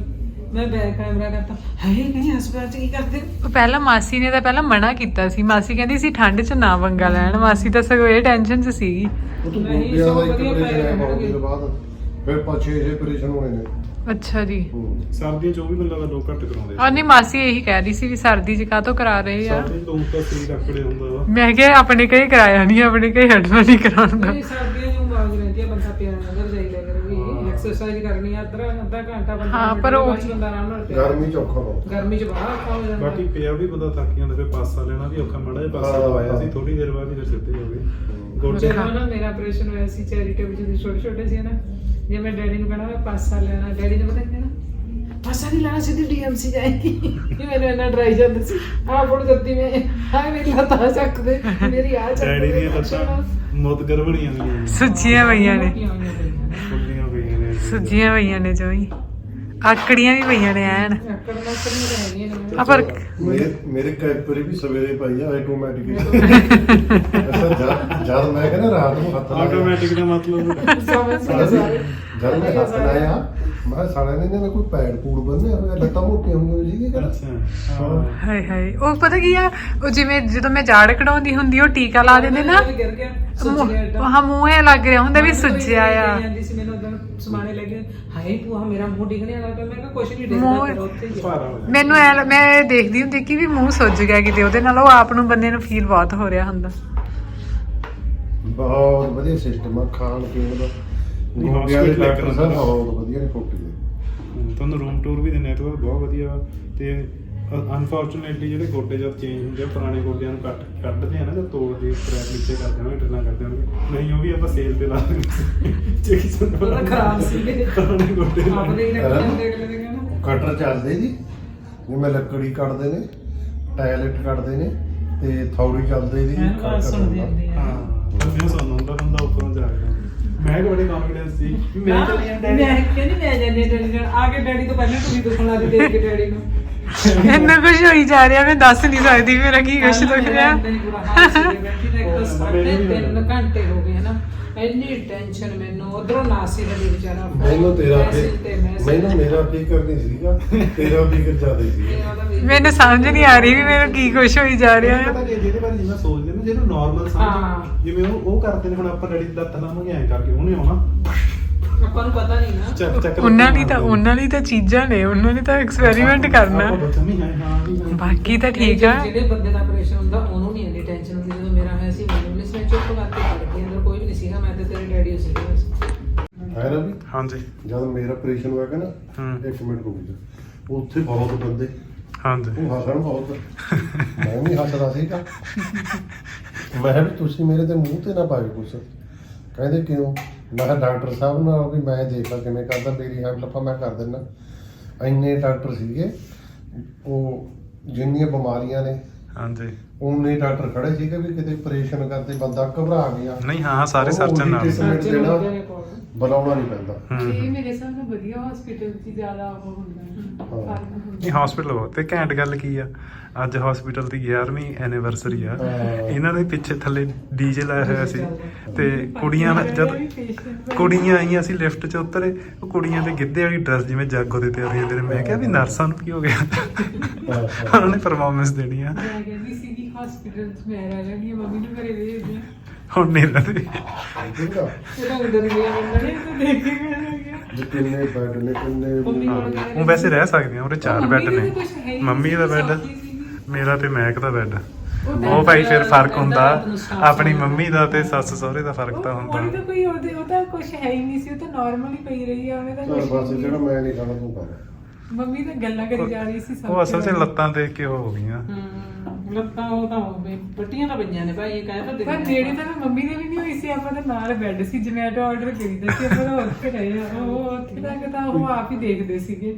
[SPEAKER 4] ਮੈਂ ਬੈਕ ਕੈਮਰਾ ਕਰਤਾ ਹੈ ਨਹੀਂ ਹਸਪਤਾਲ ਚ ਕੀ ਕਰਦੇ
[SPEAKER 1] ਉਹ ਪਹਿਲਾਂ ਮਾਸੀ ਨੇ ਤਾਂ ਪਹਿਲਾਂ ਮਨਾ ਕੀਤਾ ਸੀ। ਮਾਸੀ ਕਹਿੰਦੀ ਸੀ ਠੰਡ 'ਚ ਨਾ ਪੰਗਾ ਲੈਣ। ਮਾਸੀ ਤਾਂ ਸਗੋਂ ਇਹ ਟੈਨਸ਼ਨ 'ਚ ਸੀਗੀ।
[SPEAKER 3] ਉਹ ਤੋਂ
[SPEAKER 4] ਨਹੀਂ,
[SPEAKER 3] ਗੋਡਿਆਂ ਦਾ
[SPEAKER 4] ਸਗੋਂ
[SPEAKER 3] ਇੱਕ
[SPEAKER 4] ਵਧੀਆ
[SPEAKER 3] ਆਪਰੇਸ਼ਨ ਹੈ
[SPEAKER 4] ਪੈ
[SPEAKER 3] ਬਹੁਤ
[SPEAKER 4] ਜਾਣਗੇ।
[SPEAKER 3] ਦਿਨ ਬਾਅਦ ਫਿਰ ਪੰਜ ਛੇ ਛੇ ਆਪਰੇਸ਼ਨ ਹੋਣੇ ਨੇ।
[SPEAKER 1] ਅੱਛਾ ਜੀ।
[SPEAKER 3] ਹੂੰ।
[SPEAKER 2] ਸਰਦੀਆਂ ਚ ਉਹ ਵੀ ਮੈਨੂੰ ਲੱਗਦਾ ਲੋਕ ਘੱਟ ਕਰਾਉਂਦੇ
[SPEAKER 1] ਔਰ ਨਹੀਂ ਮਾਸੀ ਇਹੀ ਕਹਿ ਰਹੀ ਸੀ ਵੀ ਸਰਦੀ 'ਚ ਕਾਹਤੋਂ ਕਰਾ ਰਹੇ ਆ।
[SPEAKER 2] ਸਰਦੀਆਂ ਚ ਲੋਕ ਤਾਂ ਸਰੀਰ ਆਕੜੇ ਹੁੰਦਾ ਵਾ।
[SPEAKER 1] ਮੈਂ ਕਿਹਾ ਆਪਣੇ ਕਈ ਕਰਾਇਆ ਨਹੀਂ, ਆਪਣੇ ਕਈ ਹਟਣਾ ਨਹੀਂ ਕਰਾਉਂਦਾ।
[SPEAKER 4] ਨਹੀਂ ਸਰਦੀਆਂ ਨੂੰ ਬਾਗ ਰਹਿੰਦੀ ਆ ਬੰਦਾ ਪਿਆ ਅੰਦਰ ਜਾਈਦਾ ਕਰੇ ਵੀ ਐਕਸਰਸਾਈਜ਼ ਕਰਨੀ ਆ ਅੱਧਾ ਅੱਧਾ ਘੰਟਾ ਬੰਦਾ
[SPEAKER 1] ਹਾਂ, ਪਰ ਉਹ-
[SPEAKER 4] ਬਸ ਬੰਦਾ ਆਰਾਮ ਨਾਲ ਪਿਆ।
[SPEAKER 3] ਗਰਮੀ ਚ ਔਖਾ ਬਹੁਤ।
[SPEAKER 4] ਗਰਮੀ ਚ ਬਾਹਰ ਔਖਾ ਹੋ ਜਾਂਦਾ
[SPEAKER 2] ਬਾਕੀ ਪਿਆ ਵੀ ਬੰਦਾ ਥੱਕ ਜਾਂਦਾ, ਫਿਰ ਪਾਸਾ ਲੈਣਾ ਵੀ ਔਖਾ। ਮਾੜਾ ਜਿਹਾ ਪਾਸਾ ਲਵਾਇਆ ਸੀ, ਥੋੜੀ ਦੇਰ ਬਾਅਦ ਹੀ ਫਿਰ ਸਿੱਧੇ ਹੋ ਗਏ ਗੋਡੇ।
[SPEAKER 4] ਜਦੋਂ ਨਾ ਮੇਰਾ ਆਪਰੇਸ਼ਨ ਹੋਇਆ ਸੀ ਚੈਰੀਟੇਬਲ ਜਦੋਂ ਛੋਟੇ ਛੋਟੇ ਸੀ ਨਾ, ਜੇ ਮੈਂ ਡੈਡੀ ਨੂੰ ਕਹਿਣਾ ਮੈਂ ਪਾਸਾ ਲੈਣਾ, ਡੈਡੀ ਨੇ ਪਤਾ ਕੀ ਕਹਿਣਾ, ਪਾਸਾ ਨਹੀਂ ਲੈਣਾ ਸਿੱਧੀ ਡੀਐਮਸੀ ਜਾਏਗੀ। ਇਹ ਮੈਨੂੰ ਇੰਨਾ ਡਰਾਈ ਜਾਂਦਾ ਸੀ। ਆਹ ਫੋੜ ਦਿੱਤੀ ਮੈਂ, ਆਹ ਮੇਰੀ ਲੱਤ ਆ ਚੱਕਦੇ, ਮੇਰੀ ਆ ਚੱਕਦੇ।
[SPEAKER 2] ਡੈਡੀ ਦੀਆਂ ਲੱਤਾਂ ਮੁੱਦਗਰ ਬਣੀਆਂ ਹੋਈਆਂ ਨੇ,
[SPEAKER 1] ਸੁੱਜੀਆਂ ਪਈਆਂ ਨੇ,
[SPEAKER 2] ਫੁੱਲੀਆਂ ਪਈਆਂ ਨੇ।
[SPEAKER 1] ਸੁੱਜੀਆਂ ਪਈਆਂ ਨੇ ਜੋਈ, ਆਕੜੀਆਂ ਵੀ ਪਈਆਂ ਨੇ ਐਨ।
[SPEAKER 4] ਆਕੜ ਨਾ ਕਰੀ ਰਹਿ ਗਈ
[SPEAKER 1] ਆ ਪਰ
[SPEAKER 3] ਮੇਰੇ ਮੇਰੇ ਕੈਪਰੀ ਵੀ ਸਵੇਰੇ ਪਾਈ ਆ ਆਟੋਮੈਟਿਕ। ਅੱਛਾ ਜਦ ਜਦ ਮੈਂ ਕਹਿੰਦਾ ਰਾਤ ਨੂੰ ਹੱਥ ਲਾਇਆ
[SPEAKER 2] ਆਟੋਮੈਟਿਕ ਦਾ ਮਤਲਬ
[SPEAKER 4] ਸਮਝ ਸਾਰੇ
[SPEAKER 3] ਜਦ ਮੈਂ ਹੱਥ ਲਾਇਆ ਮੈਂ ਸਾਲਿਆਂ ਨੇ ਇਹਨਾਂ ਨੇ ਕੋਈ ਪੈਡ ਪੂੜ ਬੰਨਿਆ ਹੋਇਆ, ਲੱਤਾਂ ਮੋਟੀਆਂ ਹੋਈਆਂ ਸੀਗੀਆਂ ਕਹਿੰਦਾ।
[SPEAKER 2] ਅੱਛਾ ਹਾਂ।
[SPEAKER 1] ਹਾਏ ਹਾਏ, ਉਹ ਪਤਾ ਕੀ ਆ, ਉਹ ਜਿਵੇਂ ਜਦੋਂ ਮੈਂ ਜਾੜ ਕਢਾਉਂਦੀ ਹੁੰਦੀ ਉਹ ਟੀਕਾ ਲਾ ਦਿੰਦੇ ਨਾ,
[SPEAKER 4] ਗਿਰ ਗਿਆ ਸੁੱਜ ਗਿਆ ਏਦਾਂ।
[SPEAKER 1] ਹਾਂ ਮੂੰਹ ਇਹ ਲੱਗ ਰਿਹਾ ਹੁੰਦਾ ਵੀ ਸੁੱਜਿਆ ਆ।
[SPEAKER 4] ਜਾਂਦੀ ਸੀ ਮੈਨੂੰ ਉਦੋਂ ਸਮਾਣੇ ਲੱਗੇ, ਹਾਏ ਭੂਆ ਮੇਰਾ ਮੂੰਹ ਡਿੱਗਣੇ ਵਾਲਾ ਪਿਆ। ਮੈਂ ਕਿਹਾ ਕੁਛ ਨਹੀਂ ਡਿੱਗਦਾ
[SPEAKER 1] ਮੂੰਹ-
[SPEAKER 4] ਪਰ ਉੱਥੇ ਹੀ ਆ।
[SPEAKER 2] ਭਾਰਾ ਹੋ ਜਾਂਦਾ।
[SPEAKER 1] ਮੈਨੂੰ ਐ ਮੈਂ ਦੇਖਦੀ ਹੁੰਦੀ ਕਿ ਵੀ ਮੂੰਹ ਸੁੱਜ ਗਿਆ ਕਿਤੇ ਉਹਦੇ ਨਾਲ, ਉਹ ਆਪ ਨੂੰ ਬੰਦੇ ਨੂੰ ਫੀਲ ਬਹੁਤ ਹੋ ਰਿਹਾ ਹੁੰਦਾ।
[SPEAKER 3] ਬਹੁਤ ਵਧੀਆ ਸਿਸਟਮ ਆ ਖਾਣ ਪੀਣ ਦਾ। ਗੋਡਿਆਂ ਦੇ ਡਾਕਟਰ ਸਾਹਿਬ ਬਹੁਤ ਵਧੀਆ ਨੇ ਫੋਟੀ ਦੇ।
[SPEAKER 2] ਹਮ, ਤੁਹਾਨੂੰ ਰੂਮ ਟੂਰ ਵੀ ਦਿੰਦੇ ਆ, ਤਾਂ ਬਹੁਤ ਵਧੀਆ ਵਾ। ਤੇ ਅਨਫੋਰਚੂਨੇਟਲੀ ਜਿਹੜੇ ਗੋਡੇ ਜਦ ਚੇਂਜ ਹੁੰਦੇ ਆ, ਪੁਰਾਣੇ ਗੋਡਿਆਂ ਨੂੰ ਕੱਟ ਕੱਢਦੇ ਆ ਨਾ, ਜਦ ਤੋੜਦੇ ਸਕ੍ਰੈਪ ਨੀਚੇ ਕਰਦੇ ਹੋਣਗੇ, ਟਰਨਾ ਕਰਦੇ ਹੋਣਗੇ, ਨਹੀਂ ਉਹ ਵੀ ਆਪਾਂ ਸੇਲ ਤੇ ਲਾ ਦਿੰਦੇ ਜੇ ਕਿਸੇ ਨੂੰ
[SPEAKER 4] ਉਹਦਾ ਖਰਾਬ ਸੀ।
[SPEAKER 2] ਪੁਰਾਣੇ ਗੋਡੇ ਲਾ
[SPEAKER 4] ਆਪਣੇ ਹੀ ਰੱਖ ਲੈਂਦੇ ਅਗਲੇ ਦੇ ਕਹਿੰਦਾ
[SPEAKER 3] ਕਟਰ ਚੱਲਦੇ ਜੀ, ਜਿਵੇਂ ਲੱਕੜੀ ਕੱਟਦੇ ਨੇ, ਟਾਇਲਟ ਕੱਟਦੇ ਨੇ, ਤੇ ਥੌੜੀ ਚੱਲਦੇ ਜੀ।
[SPEAKER 4] ਮੈਂ ਨਾ ਸੁਣਦੀ ਹੁੰਦੀ ਆ।
[SPEAKER 2] ਹਾਂ ਬੰਦੇ ਸੁਣ ਹੁੰਦਾ ਬੰਦਾ ਉੱਪਰੋਂ ਜਾ ਕੇ ਮੈਂ ਕਿ ਬੜੀ ਕੌਨਫੀਡੈਂਸ ਸੀ ਵੀ ਮੈਂ ਚੱਲੀ ਆਂ ਡੈਡੀ।
[SPEAKER 4] ਮੈਂ ਕਹਿੰਦੀ ਮੈਂ ਜਾਂਦੀ ਹਾਂ ਡੈਡੀ ਨਾਲ। ਆ ਕੇ ਡੈਡੀ ਤੋਂ ਪਹਿਲਾਂ ਤੁਸੀਂ ਦੁਖਣ ਲੱਗ ਦੇਖ ਕੇ ਡੈਡੀ ਨੂੰ।
[SPEAKER 1] ਇੰਨਾ ਕੁਝ ਹੋਈ ਜਾ ਰਿਹਾ, ਮੈਂ ਦੱਸ ਨਹੀਂ ਸਕਦੀ ਮੇਰਾ ਕੀ ਕੁਛ ਦੁਖ ਰਿਹਾ।
[SPEAKER 4] ਮੈਨੂੰ ਬੁਰਾ ਹਾਲ ਸੀ ਬੈਠੀ ਨੇ। ਇੱਕ ਤਾਂ ਸਾਢੇ ਤਿੰਨ ਘੰਟੇ ਹੋ ਗਏ ਹਨਾ, ਇੰਨੀ ਟੈਨਸ਼ਨ ਮੈਨੂੰ। ਉਧਰੋਂ ਨਾਸੀ ਦਾ ਵੀ ਵਿਚਾਰਾ
[SPEAKER 3] ਮੈਨੂੰ ਤੇਰਾ
[SPEAKER 4] ਮੈਸੇਜ ਤੇ ਮੈਸੇਜ।
[SPEAKER 3] ਮੈਨੂੰ ਮੇਰਾ ਫਿਕਰ ਨਹੀਂ ਸੀਗਾ, ਤੇਰਾ ਫਿਕਰ ਜ਼ਿਆਦਾ ਸੀ।
[SPEAKER 4] ਮੇਰਾ ਤਾਂ ਵੀ-
[SPEAKER 1] ਮੈਨੂੰ ਸਮਝ ਨਹੀਂ ਆ ਰਹੀ ਵੀ ਮੈਨੂੰ ਕੀ ਕੁਛ ਹੋਈ ਜਾ ਰਿਹਾ
[SPEAKER 2] ਪਤਾ
[SPEAKER 1] ਹੈ।
[SPEAKER 2] ਕਿ ਜਿਹਦੇ ਬਾਰੇ ਜਿਵੇਂ ਸੋਚਦੇ ਨੇ, ਜਿਹਨੂੰ ਨਾਰਮਲ
[SPEAKER 4] ਹਾਂ।
[SPEAKER 2] ਸਮਝ ਜਿਵੇਂ ਉਹ ਉਹ ਕਰਦੇ ਨੇ। ਹੁਣ ਆਪਾਂ ਡੈਡੀ ਦਾ ਲੱਤ ਲਾਵਾਂਗੇ ਐਂ ਕਰਕੇ, ਉਹਨੇ ਆਉਣਾ
[SPEAKER 4] ਆਪਾਂ ਨੂੰ ਪਤਾ ਨਹੀਂ ਨਾ।
[SPEAKER 2] ਚੱਕ ਚੱਕ
[SPEAKER 1] ਉਹਨਾਂ ਲਈ ਤਾਂ ਉਹਨਾਂ ਲਈ ਤਾਂ ਚੀਜ਼ਾਂ ਨੇ, ਉਹਨਾਂ ਨੇ ਤਾਂ ਐਕਸਪੈਰੀਮੈਂਟ ਕਰਨਾ।
[SPEAKER 2] ਆਪਾਂ ਬੱਚਾ ਨਹੀਂ ਹੈ ਹਾਂ ਵੀ ਹਾਂ।
[SPEAKER 1] ਬਾਕੀ ਤਾਂ ਠੀਕ ਆ।
[SPEAKER 4] ਜਿਹੜੇ ਬੰਦੇ ਦਾ ਆਪਰੇਸ਼ਨ ਹੁੰਦਾ ਉਹਨੂੰ ਨਹੀਂ ਇੰਨੀ ਟੈਨਸ਼ਨ ਹੁੰਦੀ। ਜਦੋਂ ਮੇਰਾ ਹੋਇਆ ਸੀ ਮੈਨੂੰ ਨਹੀਂ ਸੀ, ਚੁੱਪ ਕਰਕੇ ਪੜ ਗਈ, ਅੰਦਰ ਕੋਈ ਵੀ ਨਹੀਂ ਸੀਗਾ, ਮੈਂ ਤੇ ਤੇਰੇ ਡੈਡੀ ਹੋ ਸੀਗੇ ਬਸ।
[SPEAKER 3] ਹੈ ਨਾ ਵੀ
[SPEAKER 2] ਹਾਂਜੀ
[SPEAKER 3] ਜਦ ਮੇਰਾ ਆਪਰੇਸ਼ਨ ਹੋਇਆ ਕਿ ਨਾ,
[SPEAKER 2] ਹੂੰ।
[SPEAKER 3] ਇੱਕ ਮਿੰਟ ਰੁਕ ਜਾ, ਉੱਥੇ ਬਹੁਤ ਬੰਦੇ
[SPEAKER 2] ਹਾਂਜੀ
[SPEAKER 3] ਉਹ ਹੱਸਣ ਬਹੁਤ। ਮੈਂ ਵੀ ਹੱਸਦਾ ਸੀਗਾ। ਮੈਂ ਕਿਹਾ ਵੀ ਤੁਸੀਂ ਮੇਰੇ ਤੇ ਮੂੰਹ ਤੇ ਨਾ ਪਾਇਓ ਕੁਛ। ਕਹਿੰਦੇ ਕਿਉਂ? ਮੈਂ ਕਿਹਾ ਡਾਕਟਰ ਸਾਹਿਬ ਨਾਲ ਵੀ ਮੈਂ ਦੇਖਾਂ ਕਿਵੇਂ ਕਰਦਾ, ਮੇਰੀ ਹੈਲਪ ਆਪਾਂ ਮੈਂ ਕਰ ਦਿੰਦਾ। ਇੰਨੇ ਡਾਕਟਰ ਸੀਗੇ, ਉਹ ਜਿੰਨੀਆਂ ਬਿਮਾਰੀਆਂ ਨੇ
[SPEAKER 2] ਹਾਂਜੀ।
[SPEAKER 3] ਉਨੇ ਡਾਕਟਰ ਖੜੇ ਸੀਗੇ ਵੀ ਕਿਤੇ ਆਪਰੇਸ਼ਨ ਕਰਦੇ ਬੰਦਾ ਘਬਰਾ ਗਿਆ।
[SPEAKER 2] ਨਹੀਂ ਹਾਂ ਸਾਰੇ ਸਰਜਨ ਨਾਲ
[SPEAKER 3] ਸਰਜਨ ਦੇਣਾ ਬੁਲਾਉਣਾ ਨਹੀਂ ਪੈਂਦਾ।
[SPEAKER 1] ਇਹ ਮੇਰੇ ਹਿਸਾਬ ਨਾਲ ਵਧੀਆ ਹਸਪੀਟਲ 'ਚ ਜ਼ਿਆਦਾ ਉਹ ਹੁੰਦਾ ਹੈ।
[SPEAKER 2] ਨਹੀਂ ਹਸਪੀਟਲ ਬਹੁਤ ਤੇ ਘੈਂਟ ਗੱਲ ਕੀ ਆ, ਅੱਜ ਹਸਪੀਟਲ ਦੀ ਗਿਆਰਵੀਂ ਐਨੀਵਰਸਰੀ ਆ।
[SPEAKER 3] ਹਾਂ।
[SPEAKER 2] ਇਹਨਾਂ ਦੇ ਪਿੱਛੇ ਥੱਲੇ ਡੀਜੇ ਲਾਇਆ ਹੋਇਆ ਸੀ, ਤੇ ਕੁੜੀਆਂ ਨਾਲ ਜਦ ਕੁੜੀਆਂ ਆਈਆਂ ਸੀ ਲਿਫਟ 'ਚ ਉਤਰੇ, ਉਹ ਕੁੜੀਆਂ ਦੇ ਗਿੱਧੇ ਵਾਲੀ ਡਰੈਸ ਜਿਵੇਂ ਜਾਗੋ ਦੇ ਤਿਆਰੀ ਹੁੰਦੇ ਨੇ। ਮੈਂ ਕਿਹਾ ਵੀ ਨਰਸਾਂ ਨੂੰ ਕੀ ਹੋ ਗਿਆ, ਉਹਨਾਂ ਨੇ ਪਰਫਾਰਮੈਂਸ ਦੇਣੀ ਆ।
[SPEAKER 1] ਮੈਂ ਕਹਿੰਦੀ ਸੀ ਕਿ ਹਸਪੀਟਲ 'ਚ ਮੈਂ ਰਹਿ ਲੈਣੀ, ਮੰਮੀ ਨੂੰ ਘਰੇ ਭੇਜ ਦਿਆਂ।
[SPEAKER 2] ਹੁਣ ਨਹੀਂ ਰਹਿੰਦੇ।
[SPEAKER 3] ਠੀਕ ਆ
[SPEAKER 4] ਇਹਦਾ ਅੰਦਰ ਗਿਆ ਬੰਦਾ ਨੇ ਤਾਂ ਦੇਖ ਕੇ ਮੈਂ ਲੱਗਿਆ
[SPEAKER 3] ਵੀ ਕਿੰਨੇ ਬੈੱਡ ਨੇ, ਕਿੰਨੇ
[SPEAKER 2] ਉਹ ਵੈਸੇ ਰਹਿ ਸਕਦੇ ਆ, ਉਹਦੇ ਚਾਰ ਬੈੱਡ ਨੇ। ਮੰਮੀ ਦਾ ਬੈੱਡ, ਮੇਰਾ ਤੇ ਮੈਕ ਦਾ ਬੈੱਡ। ਉਹ ਭਾਈ ਫਿਰ ਫਰਕ ਹੁੰਦਾ, ਆਪਣੀ ਮੰਮੀ ਦਾ ਤੇ ਸੱਸ ਸਹੁਰੇ ਦਾ ਫਰਕ ਤਾਂ
[SPEAKER 1] ਉਹਦੀ ਤਾਂ
[SPEAKER 2] ਹੁੰਦਾ।
[SPEAKER 1] ਕੋਈ ਉਹਦੇ ਉਹ ਤਾਂ ਕੁਝ ਹੈ ਹੀ ਨਹੀਂ ਸੀ, ਉਹ ਤਾਂ ਨਾਰਮਲ ਹੀ ਪਈ ਰਹੀ ਆ। ਉਹਨੇ ਤਾਂ
[SPEAKER 3] ਚਲ
[SPEAKER 1] ਕੁਛ
[SPEAKER 3] ਬਸ ਜਿਹੜਾ ਮੈਂ ਨਹੀਂ ਖਾਣਾ ਤੂੰ ਕਰ।
[SPEAKER 1] ਮੰਮੀ ਤਾਂ ਗੱਲਾਂ ਕਰੀ ਜਾ ਰਹੀ ਸੀ ਸਭ
[SPEAKER 2] ਉਹ ਅਸਲ 'ਚ
[SPEAKER 1] ਤੋਂ।
[SPEAKER 2] ਲੱਤਾਂ ਦੇਖ ਕੇ ਉਹ ਹੋ ਗਈਆਂ।
[SPEAKER 4] ਹੂੰ ਲੱਤਾਂ ਉਹ ਤਾਂ ਹੋ ਗਏ, ਪੱਟੀਆਂ ਤਾਂ ਪਈਆਂ ਨੇ ਭਾਈ, ਇਹ ਕਹਿ ਤਾਂ
[SPEAKER 1] ਪਰ ਨੇੜੇ ਤਾਂ ਮੰਮੀ ਦੇ ਵੀ ਨਹੀਂ ਹੋਈ ਸੀ। ਆਪਾਂ ਤਾਂ ਨਾਲ ਬੈੱਡ ਸੀ, ਜਮੈਟੋ ਆਰਡਰ ਕਰੀਦਾ ਸੀ, ਆਪਾਂ ਤਾਂ ਉੱਥੇ ਰਹੇ ਆ। ਉਹ ਉੱਥੇ ਤੱਕ ਤਾਂ ਉਹ ਆਪ ਹੀ ਦੇਖਦੇ ਸੀਗੇ।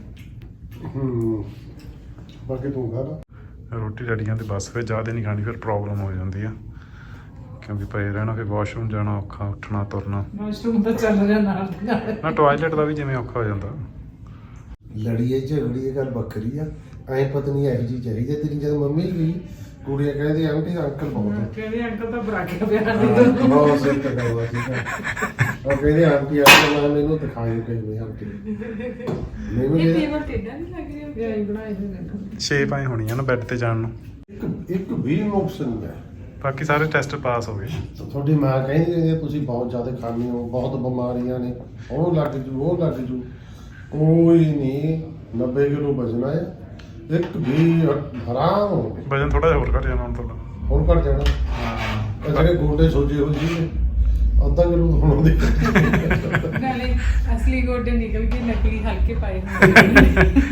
[SPEAKER 3] ਹੂੰ ਬਾਕੀ ਤੂੰ ਖਾ ਲਾ।
[SPEAKER 2] ਰੋਟੀ ਰੜੀਆਂ ਤੇ ਬਸ ਫਿਰ ਜ਼ਿਆਦਾ ਨਹੀਂ ਖਾਣੀ, ਫਿਰ ਪ੍ਰੋਬਲਮ ਹੋ ਜਾਂਦੀ ਆ, ਕਿਉਂਕਿ ਪਏ ਰਹਿਣਾ, ਫਿਰ ਵਾਸ਼ਰੂਮ ਜਾਣਾ ਔਖਾ, ਉੱਠਣਾ ਤੁਰਨਾ।
[SPEAKER 4] ਵਾਸ਼ਰੂਮ ਤਾਂ ਚੱਲ ਰਿਹਾ ਨਾਲ ਦੀ ਨਾਲ।
[SPEAKER 2] ਨਾ ਟਾਇਲਟ ਦਾ ਵੀ ਜਿਵੇਂ ਔਖਾ ਹੋ ਜਾਂਦਾ।
[SPEAKER 3] ਲੜੀਏ ਝਗੜੀਏ ਗੱਲ ਵੱਖਰੀ ਆ, ਐਂ ਪਤਨੀ ਇਹੋ ਜਿਹੀ ਚਾਹੀਦੀ ਤੇਰੀ। ਜਦ ਮੰਮੀ ਗਈ ਕੁੜੀਆਂ ਕਹਿੰਦੀ ਆਂਟੀ ਅੰਕਲ ਬਹੁਤ
[SPEAKER 4] ਕਹਿੰਦੇ ਅੰਕਲ ਤਾਂ ਬਰਾਕੇ ਪਿਆ
[SPEAKER 3] ਹਾਂ, ਬਹੁਤ ਸਹੀ ਤਾਂ ਗੱਲ ਆ, ਠੀਕ ਆ। ਉਹ ਕਹਿੰਦੇ ਆਂਟੀ ਆ ਕੇ ਮੈਂ ਮੈਨੂੰ ਦਿਖਾਈ ਕਹੀ ਵੀ ਆਂਟੀ ਮੈਨੂੰ
[SPEAKER 1] ਇਹ
[SPEAKER 3] ਇਹ
[SPEAKER 1] ਟੇਬਲ ਟੇਡਾ ਨਹੀਂ ਲੱਗ ਰਿਹਾ
[SPEAKER 4] ਇਹ ਬਣਾਏ ਹੋਏ ਨੇ
[SPEAKER 2] ਸ਼ੇਪ ਆਈ ਹੋਣੀ ਆ ਨਾ ਬੈੱਡ ਤੇ ਜਾਣ ਨੂੰ।
[SPEAKER 3] ਇੱਕ ਇੱਕ ਵੀ ਨੁਕਸ ਨਹੀਂ ਹੈ।
[SPEAKER 2] ਬਾਕੀ ਸਾਰੇ ਟੈਸਟ ਪਾਸ ਹੋ ਗਏ।
[SPEAKER 3] ਤਾਂ ਤੁਹਾਡੀ ਮਾਂ ਕਹਿੰਦੀ ਹੈ ਤੁਸੀਂ ਬਹੁਤ ਜ਼ਿਆਦਾ ਖਾਂਦੇ ਹੋ, ਬਹੁਤ ਬਿਮਾਰੀਆਂ ਨੇ, ਉਹ ਲੱਗ ਜੂ ਉਹ ਲੱਗ ਜੂ। ਕੋਈ ਨਹੀਂ, ਨੱਬੇ ਕਿਲੋ ਵਜਣਾ ਹੈ, ਇੱਕ ਵੀ ਹਰਾਮ ਹੋ ਗਏ।
[SPEAKER 2] ਵਜਨ ਥੋੜਾ ਜਿਹਾ ਹੋਰ ਘਟ ਜਾਣਾ ਹੁਣ ਤੁਹਾਡਾ।
[SPEAKER 3] ਹੁਣ ਘਟ ਜਾਣਾ। ਇਹ ਜਿਹੜੇ ਗੋਡੇ ਸੋਜੇ ਹੋਏ ਸੀ ਅੱਧਾ ਕਿਲੋ ਹੁਣ ਦੇ
[SPEAKER 1] ਨਾਲੇ ਅਸਲੀ ਗੋਡੇ ਨਿਕਲ ਕੇ ਨਕਲੀ ਹਲਕੇ ਪਾਏ ਹੁੰਦੇ ਨੇ।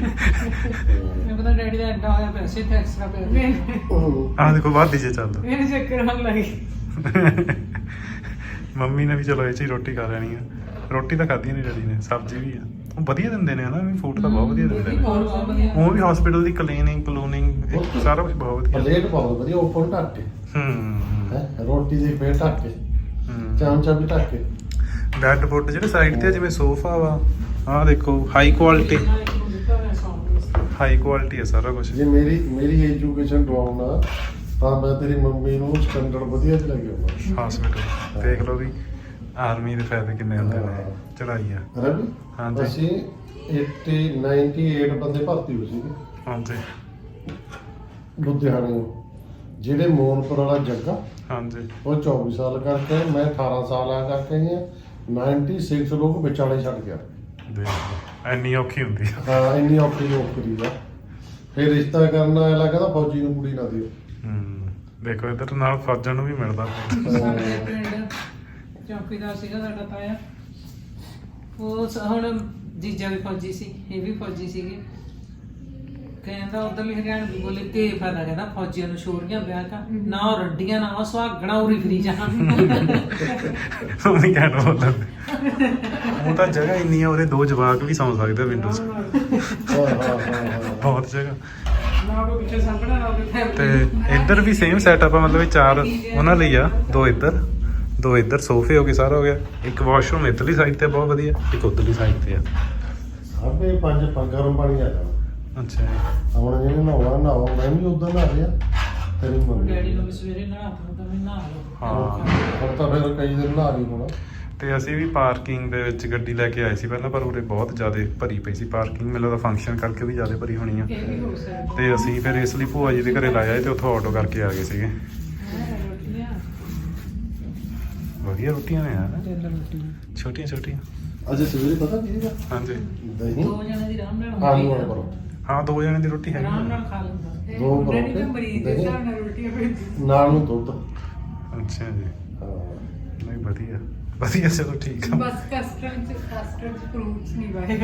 [SPEAKER 4] ਮੈਂ ਪਤਾ ਡੈਡੀ ਦਾ ਐਡਾ ਹੋਇਆ ਪੈਸੇ ਤੇ ਐਕਸਟਰਾ ਪੈ
[SPEAKER 2] ਆਹ ਦੇਖੋ ਬਾਅਦ ਜੇ ਚੱਲਦਾ।
[SPEAKER 1] ਮੇਰੇ ਚੱਕਰ ਆਉਣ ਲੱਗੇ।
[SPEAKER 2] ਮੰਮੀ ਨੇ ਵੀ ਚਲੋ ਇਹ ਚ ਹੀ ਰੋਟੀ ਖਾ ਲੈਣੀ ਆ। ਰੋਟੀ ਤਾਂ ਖਾਧੀ ਨਹੀਂ ਡੈਡੀ ਨੇ, ਸਬਜ਼ੀ ਵੀ ਆ। ਉਹ ਵਧੀਆ ਦਿੰਦੇ ਨੇ ਹਨਾ, ਵੀ ਫੂਡ ਤਾਂ ਬਹੁਤ ਵਧੀਆ ਦਿੰਦੇ ਨੇ।
[SPEAKER 4] ਬਹੁਤ ਬਹੁਤ ਵਧੀਆ।
[SPEAKER 2] ਉਹ ਵੀ ਹਸਪੀਟਲ ਦੀ ਕਲੀਨਿੰਗ ਕਲੂਨਿੰਗ ਸਾਰਾ ਕੁਝ ਬਹੁਤ ਵਧੀਆ।
[SPEAKER 3] ਪਲੇਟ ਬਹੁਤ ਵਧੀਆ ਓਪਨ ਢੱਕ ਕੇ
[SPEAKER 2] ਹੂੰ
[SPEAKER 3] ਹੈ, ਰੋਟੀ ਦੀ ਪਲੇਟ ਢੱਕ ਕੇ,
[SPEAKER 2] ਹੂੰ
[SPEAKER 3] ਚਮਚਾ ਵੀ ਢੱਕ ਕੇ।
[SPEAKER 2] ਬੈੱਡ ਬੁੱਡ ਜਿਹੜੇ ਸਾਈਡ ਤੇ ਆ, ਜਿਵੇਂ ਸੋਫਾ ਵਾ, ਆਹ ਦੇਖੋ ਹਾਈ ਕੁਆਲਿਟੀ ਹਾਈ ਕੁਆਲਿਟੀ ਹੈ ਸਾਰਾ ਕੁਝ।
[SPEAKER 3] ਜੇ ਮੇਰੀ ਮੇਰੀ ਐਜੂਕੇਸ਼ਨ ਡਾਊਨ ਆ ਤਾਂ ਮੈਂ ਤੇਰੀ ਮੰਮੀ ਨੂੰ ਸਟੈਂਡਰਡ ਵਧੀਆ ਚ ਲੈ ਕੇ ਆਉਂਦਾ।
[SPEAKER 2] ਹਸਪੀਟਲ ਦੇਖ ਲਓ ਵੀ ਆਰਮੀ ਦੇ ਫਾਇਦੇ ਕਿੰਨੇ ਹੁੰਦੇ ਨੇ। ਚੜਾਈ ਆ।
[SPEAKER 3] ਰਵੀ
[SPEAKER 2] ਹਾਂਜੀ।
[SPEAKER 3] ਅਸੀਂ ਅੱਸੀ ਅਠਾਨਵੇਂ ਬੰਦੇ ਭਰਤੀ ਹੋ ਸੀਗੇ
[SPEAKER 2] ਹਾਂਜੀ
[SPEAKER 3] ਲੁਧਿਆਣੇ। ਜਿਹੜੇ ਮੋਨਪੁਰ ਵਾਲਾ ਜੱਗਾ
[SPEAKER 2] ਹਾਂਜੀ
[SPEAKER 3] ਉਹ ਚੌਵੀ ਸਾਲ ਕਰਕੇ, ਮੈਂ ਅਠਾਰਾਂ ਸਾਲ ਆ ਕਰਕੇ ਆਈ ਹਾਂ। ਛਿਆਨਵੇਂ ਲੋਕ ਵਿਚਾਲੇ ਛੱਡ ਗਿਆ।
[SPEAKER 2] ਦੇਖ ਲਓ ਇੰਨੀ ਔਖੀ ਹੁੰਦੀ ਆ।
[SPEAKER 3] ਹਾਂ ਇੰਨੀ ਔਖੀ ਨੌਕਰੀ ਆ। ਫਿਰ ਰਿਸ਼ਤਾ ਕਰਨਾ ਐਲਾ ਕਹਿੰਦਾ ਫੌਜੀ ਨੂੰ ਕੁੜੀ ਨਾ ਦਿਓ।
[SPEAKER 2] ਹੂੰ ਦੇਖੋ ਇੱਧਰ ਨਾਲ ਫੌਜਾਂ ਨੂੰ ਵੀ ਮਿਲਦਾ।
[SPEAKER 4] ਸਾਡੇ ਪਿੰਡ ਚੌਕੀਦਾਰ ਸੀਗਾ ਸਾਡਾ ਤਾਇਆ, ਉਹ ਸ- ਹੁਣ ਜੀਜਾ ਵੀ ਫੌਜੀ ਸੀ, ਇਹ ਵੀ ਫੌਜੀ ਸੀਗੇ। ਕਹਿੰਦਾ ਉਧਰਲੀ ਹਰਿਆਣਾ ਵੀ ਬੋਲੇ ਤੇ ਫਾਇਦਾ, ਕਹਿੰਦਾ ਫੌਜੀਆਂ ਨੂੰ ਛੋਰੀਆਂ ਵਿਆਹ ਕਾ ਨਾ ਉਹ ਰੱਡੀਆਂ ਨਾ ਉਹ ਸੁਹਾਗਣਾ ਉਰੀ ਫਰੀ ਜਾਣ।
[SPEAKER 2] ਉਹ ਵੀ ਕਹਿਣਾ ਬੋਲਣ ਉਹ ਤਾਂ ਜਗ੍ਹਾ ਇੰਨੀ ਆ, ਉਹਦੇ ਦੋ ਜਵਾਕ ਵੀ ਸੌਂ ਸਕਦੇ ਵਿੰਡੋ 'ਚ।
[SPEAKER 3] ਹਾਂ ਹਾਂ ਹਾਂ ਹਾਂ
[SPEAKER 2] ਬਹੁਤ ਜਗ੍ਹਾ।
[SPEAKER 4] ਨਾ ਕੋਈ ਪਿੱਛੇ ਸਾਹਮਣਾ ਨਾ ਕੋਈ
[SPEAKER 2] ਤੇ
[SPEAKER 4] ਫੈਮਿਲੀ।
[SPEAKER 2] ਇੱਧਰ ਵੀ ਸੇਮ ਸੈਟਅਪ ਆ, ਮਤਲਬ ਇਹ ਚਾਰ ਉਹਨਾਂ ਲਈ ਆ, ਦੋ ਇੱਧਰ ਦੋ ਇੱਧਰ ਸੋਫੇ ਹੋ ਗਏ, ਸਾਰਾ ਹੋ ਗਿਆ। ਇੱਕ ਵਾਸ਼ਰੂਮ ਇੱਧਰਲੀ ਸਾਈਡ ਤੇ ਬਹੁਤ ਵਧੀਆ, ਇੱਕ ਉੱਧਰਲੀ ਸਾਈਡ ਤੇ ਆ।
[SPEAKER 3] ਆਪੇ ਪੰਜ ਪੰਜ ਗਰਮ ਪਾਣੀ ਆ ਜਾਣਾ।
[SPEAKER 2] ਅੱਛਾ ਜੀ।
[SPEAKER 3] ਹੁਣ ਜਿਹਨੇ ਨਹਾਉਣਾ ਨਹਾਓ, ਮੈਂ ਵੀ ਉਦੋਂ ਨਹਾ ਰਿਹਾ ਤੇਰੀ ਮੰਮੀ।
[SPEAKER 4] ਡੈਡੀ ਨੂੰ ਵੀ ਸਵੇਰੇ ਨਹਾ ਦੋ ਤਾਂ ਮੈਂ ਨਹਾ ਲਓ।
[SPEAKER 2] ਹਾਂ।
[SPEAKER 3] ਹੁਣ ਤਾਂ ਫਿਰ ਕਈ ਦਿਨ ਨਹਾ ਨਹੀਂ ਹੋਣਾ।
[SPEAKER 2] ਤੇ ਅਸੀਂ ਵੀ ਪਾਰਕਿੰਗ ਦੇ ਵਿੱਚ ਗੱਡੀ ਲੈ ਕੇ ਆਏ ਸੀ ਪਹਿਲਾਂ, ਪਰ ਉਰੇ ਬਹੁਤ ਜ਼ਿਆਦਾ ਭਰੀ ਪਈ ਸੀ ਪਾਰਕਿੰਗ। ਮੈਨੂੰ ਲੱਗਦਾ ਫੰਕਸ਼ਨ ਕਰਕੇ ਵੀ ਜ਼ਿਆਦਾ ਭਰੀ ਹੋਣੀ ਆ।
[SPEAKER 1] ਇਹ ਵੀ ਹੋ ਸਕਦਾ।
[SPEAKER 2] ਤੇ ਅਸੀਂ ਫਿਰ ਇਸ ਲਈ ਭੂਆ ਜੀ ਦੇ ਘਰੇ ਲਾਇਆ ਤੇ ਉੱਥੋਂ ਆਟੋ ਕਰਕੇ ਆ ਗਏ ਸੀਗੇ।
[SPEAKER 1] ਰੋਟੀਆਂ
[SPEAKER 2] ਵਧੀਆ ਰੋਟੀਆਂ ਨੇ ਯਾਰ,
[SPEAKER 4] ਤਿੰਨ ਰੋਟੀ
[SPEAKER 2] ਛੋਟੀਆਂ ਛੋਟੀਆਂ।
[SPEAKER 3] ਅੱਜ ਸਵੇਰੇ ਪਤਾ ਕੀ ਸੀਗਾ?
[SPEAKER 2] ਹਾਂਜੀ
[SPEAKER 3] ਦਹੀਂ
[SPEAKER 4] ਦੋ ਜਣੇ ਦੀ ਆਰਾਮ ਨਾਲ
[SPEAKER 3] ਆਲੂ
[SPEAKER 4] ਹੁੰਦੀ
[SPEAKER 3] ਵਾਲਾ
[SPEAKER 4] ਆ।
[SPEAKER 3] ਪਰੋ
[SPEAKER 2] ਹਾਂ, ਦੋ ਜਣੇ ਦੀ ਰੋਟੀ ਹੈਗੀ
[SPEAKER 4] ਆਰਾਮ
[SPEAKER 2] ਆ।
[SPEAKER 4] ਨਾਲ ਖਾ ਲੈਂਦਾ।
[SPEAKER 3] ਦੋ
[SPEAKER 1] ਡੈਡੀ
[SPEAKER 3] ਪਰੌਂਠੇ,
[SPEAKER 1] ਤਾਂ ਮਰੀਜ਼ ਦੇ
[SPEAKER 3] ਦਹੀਂ।
[SPEAKER 1] ਹਿਸਾਬ ਨਾਲ ਰੋਟੀਆਂ ਭੇਜੀ।
[SPEAKER 3] ਨਾਲ ਨੂੰ ਦੁੱਧ।
[SPEAKER 2] ਅੱਛਾ ਜੀ,
[SPEAKER 3] ਹਾਂ
[SPEAKER 2] ਨਹੀਂ ਵਧੀਆ ਵਧੀਆ, ਚਲੋ ਠੀਕ ਆ।
[SPEAKER 1] ਬਸ ਕਸਟਰਡ ਚ ਕਸਟਰਡ ਚ ਫਰੂਟਸ ਨਹੀਂ ਪਾਏਗਾ।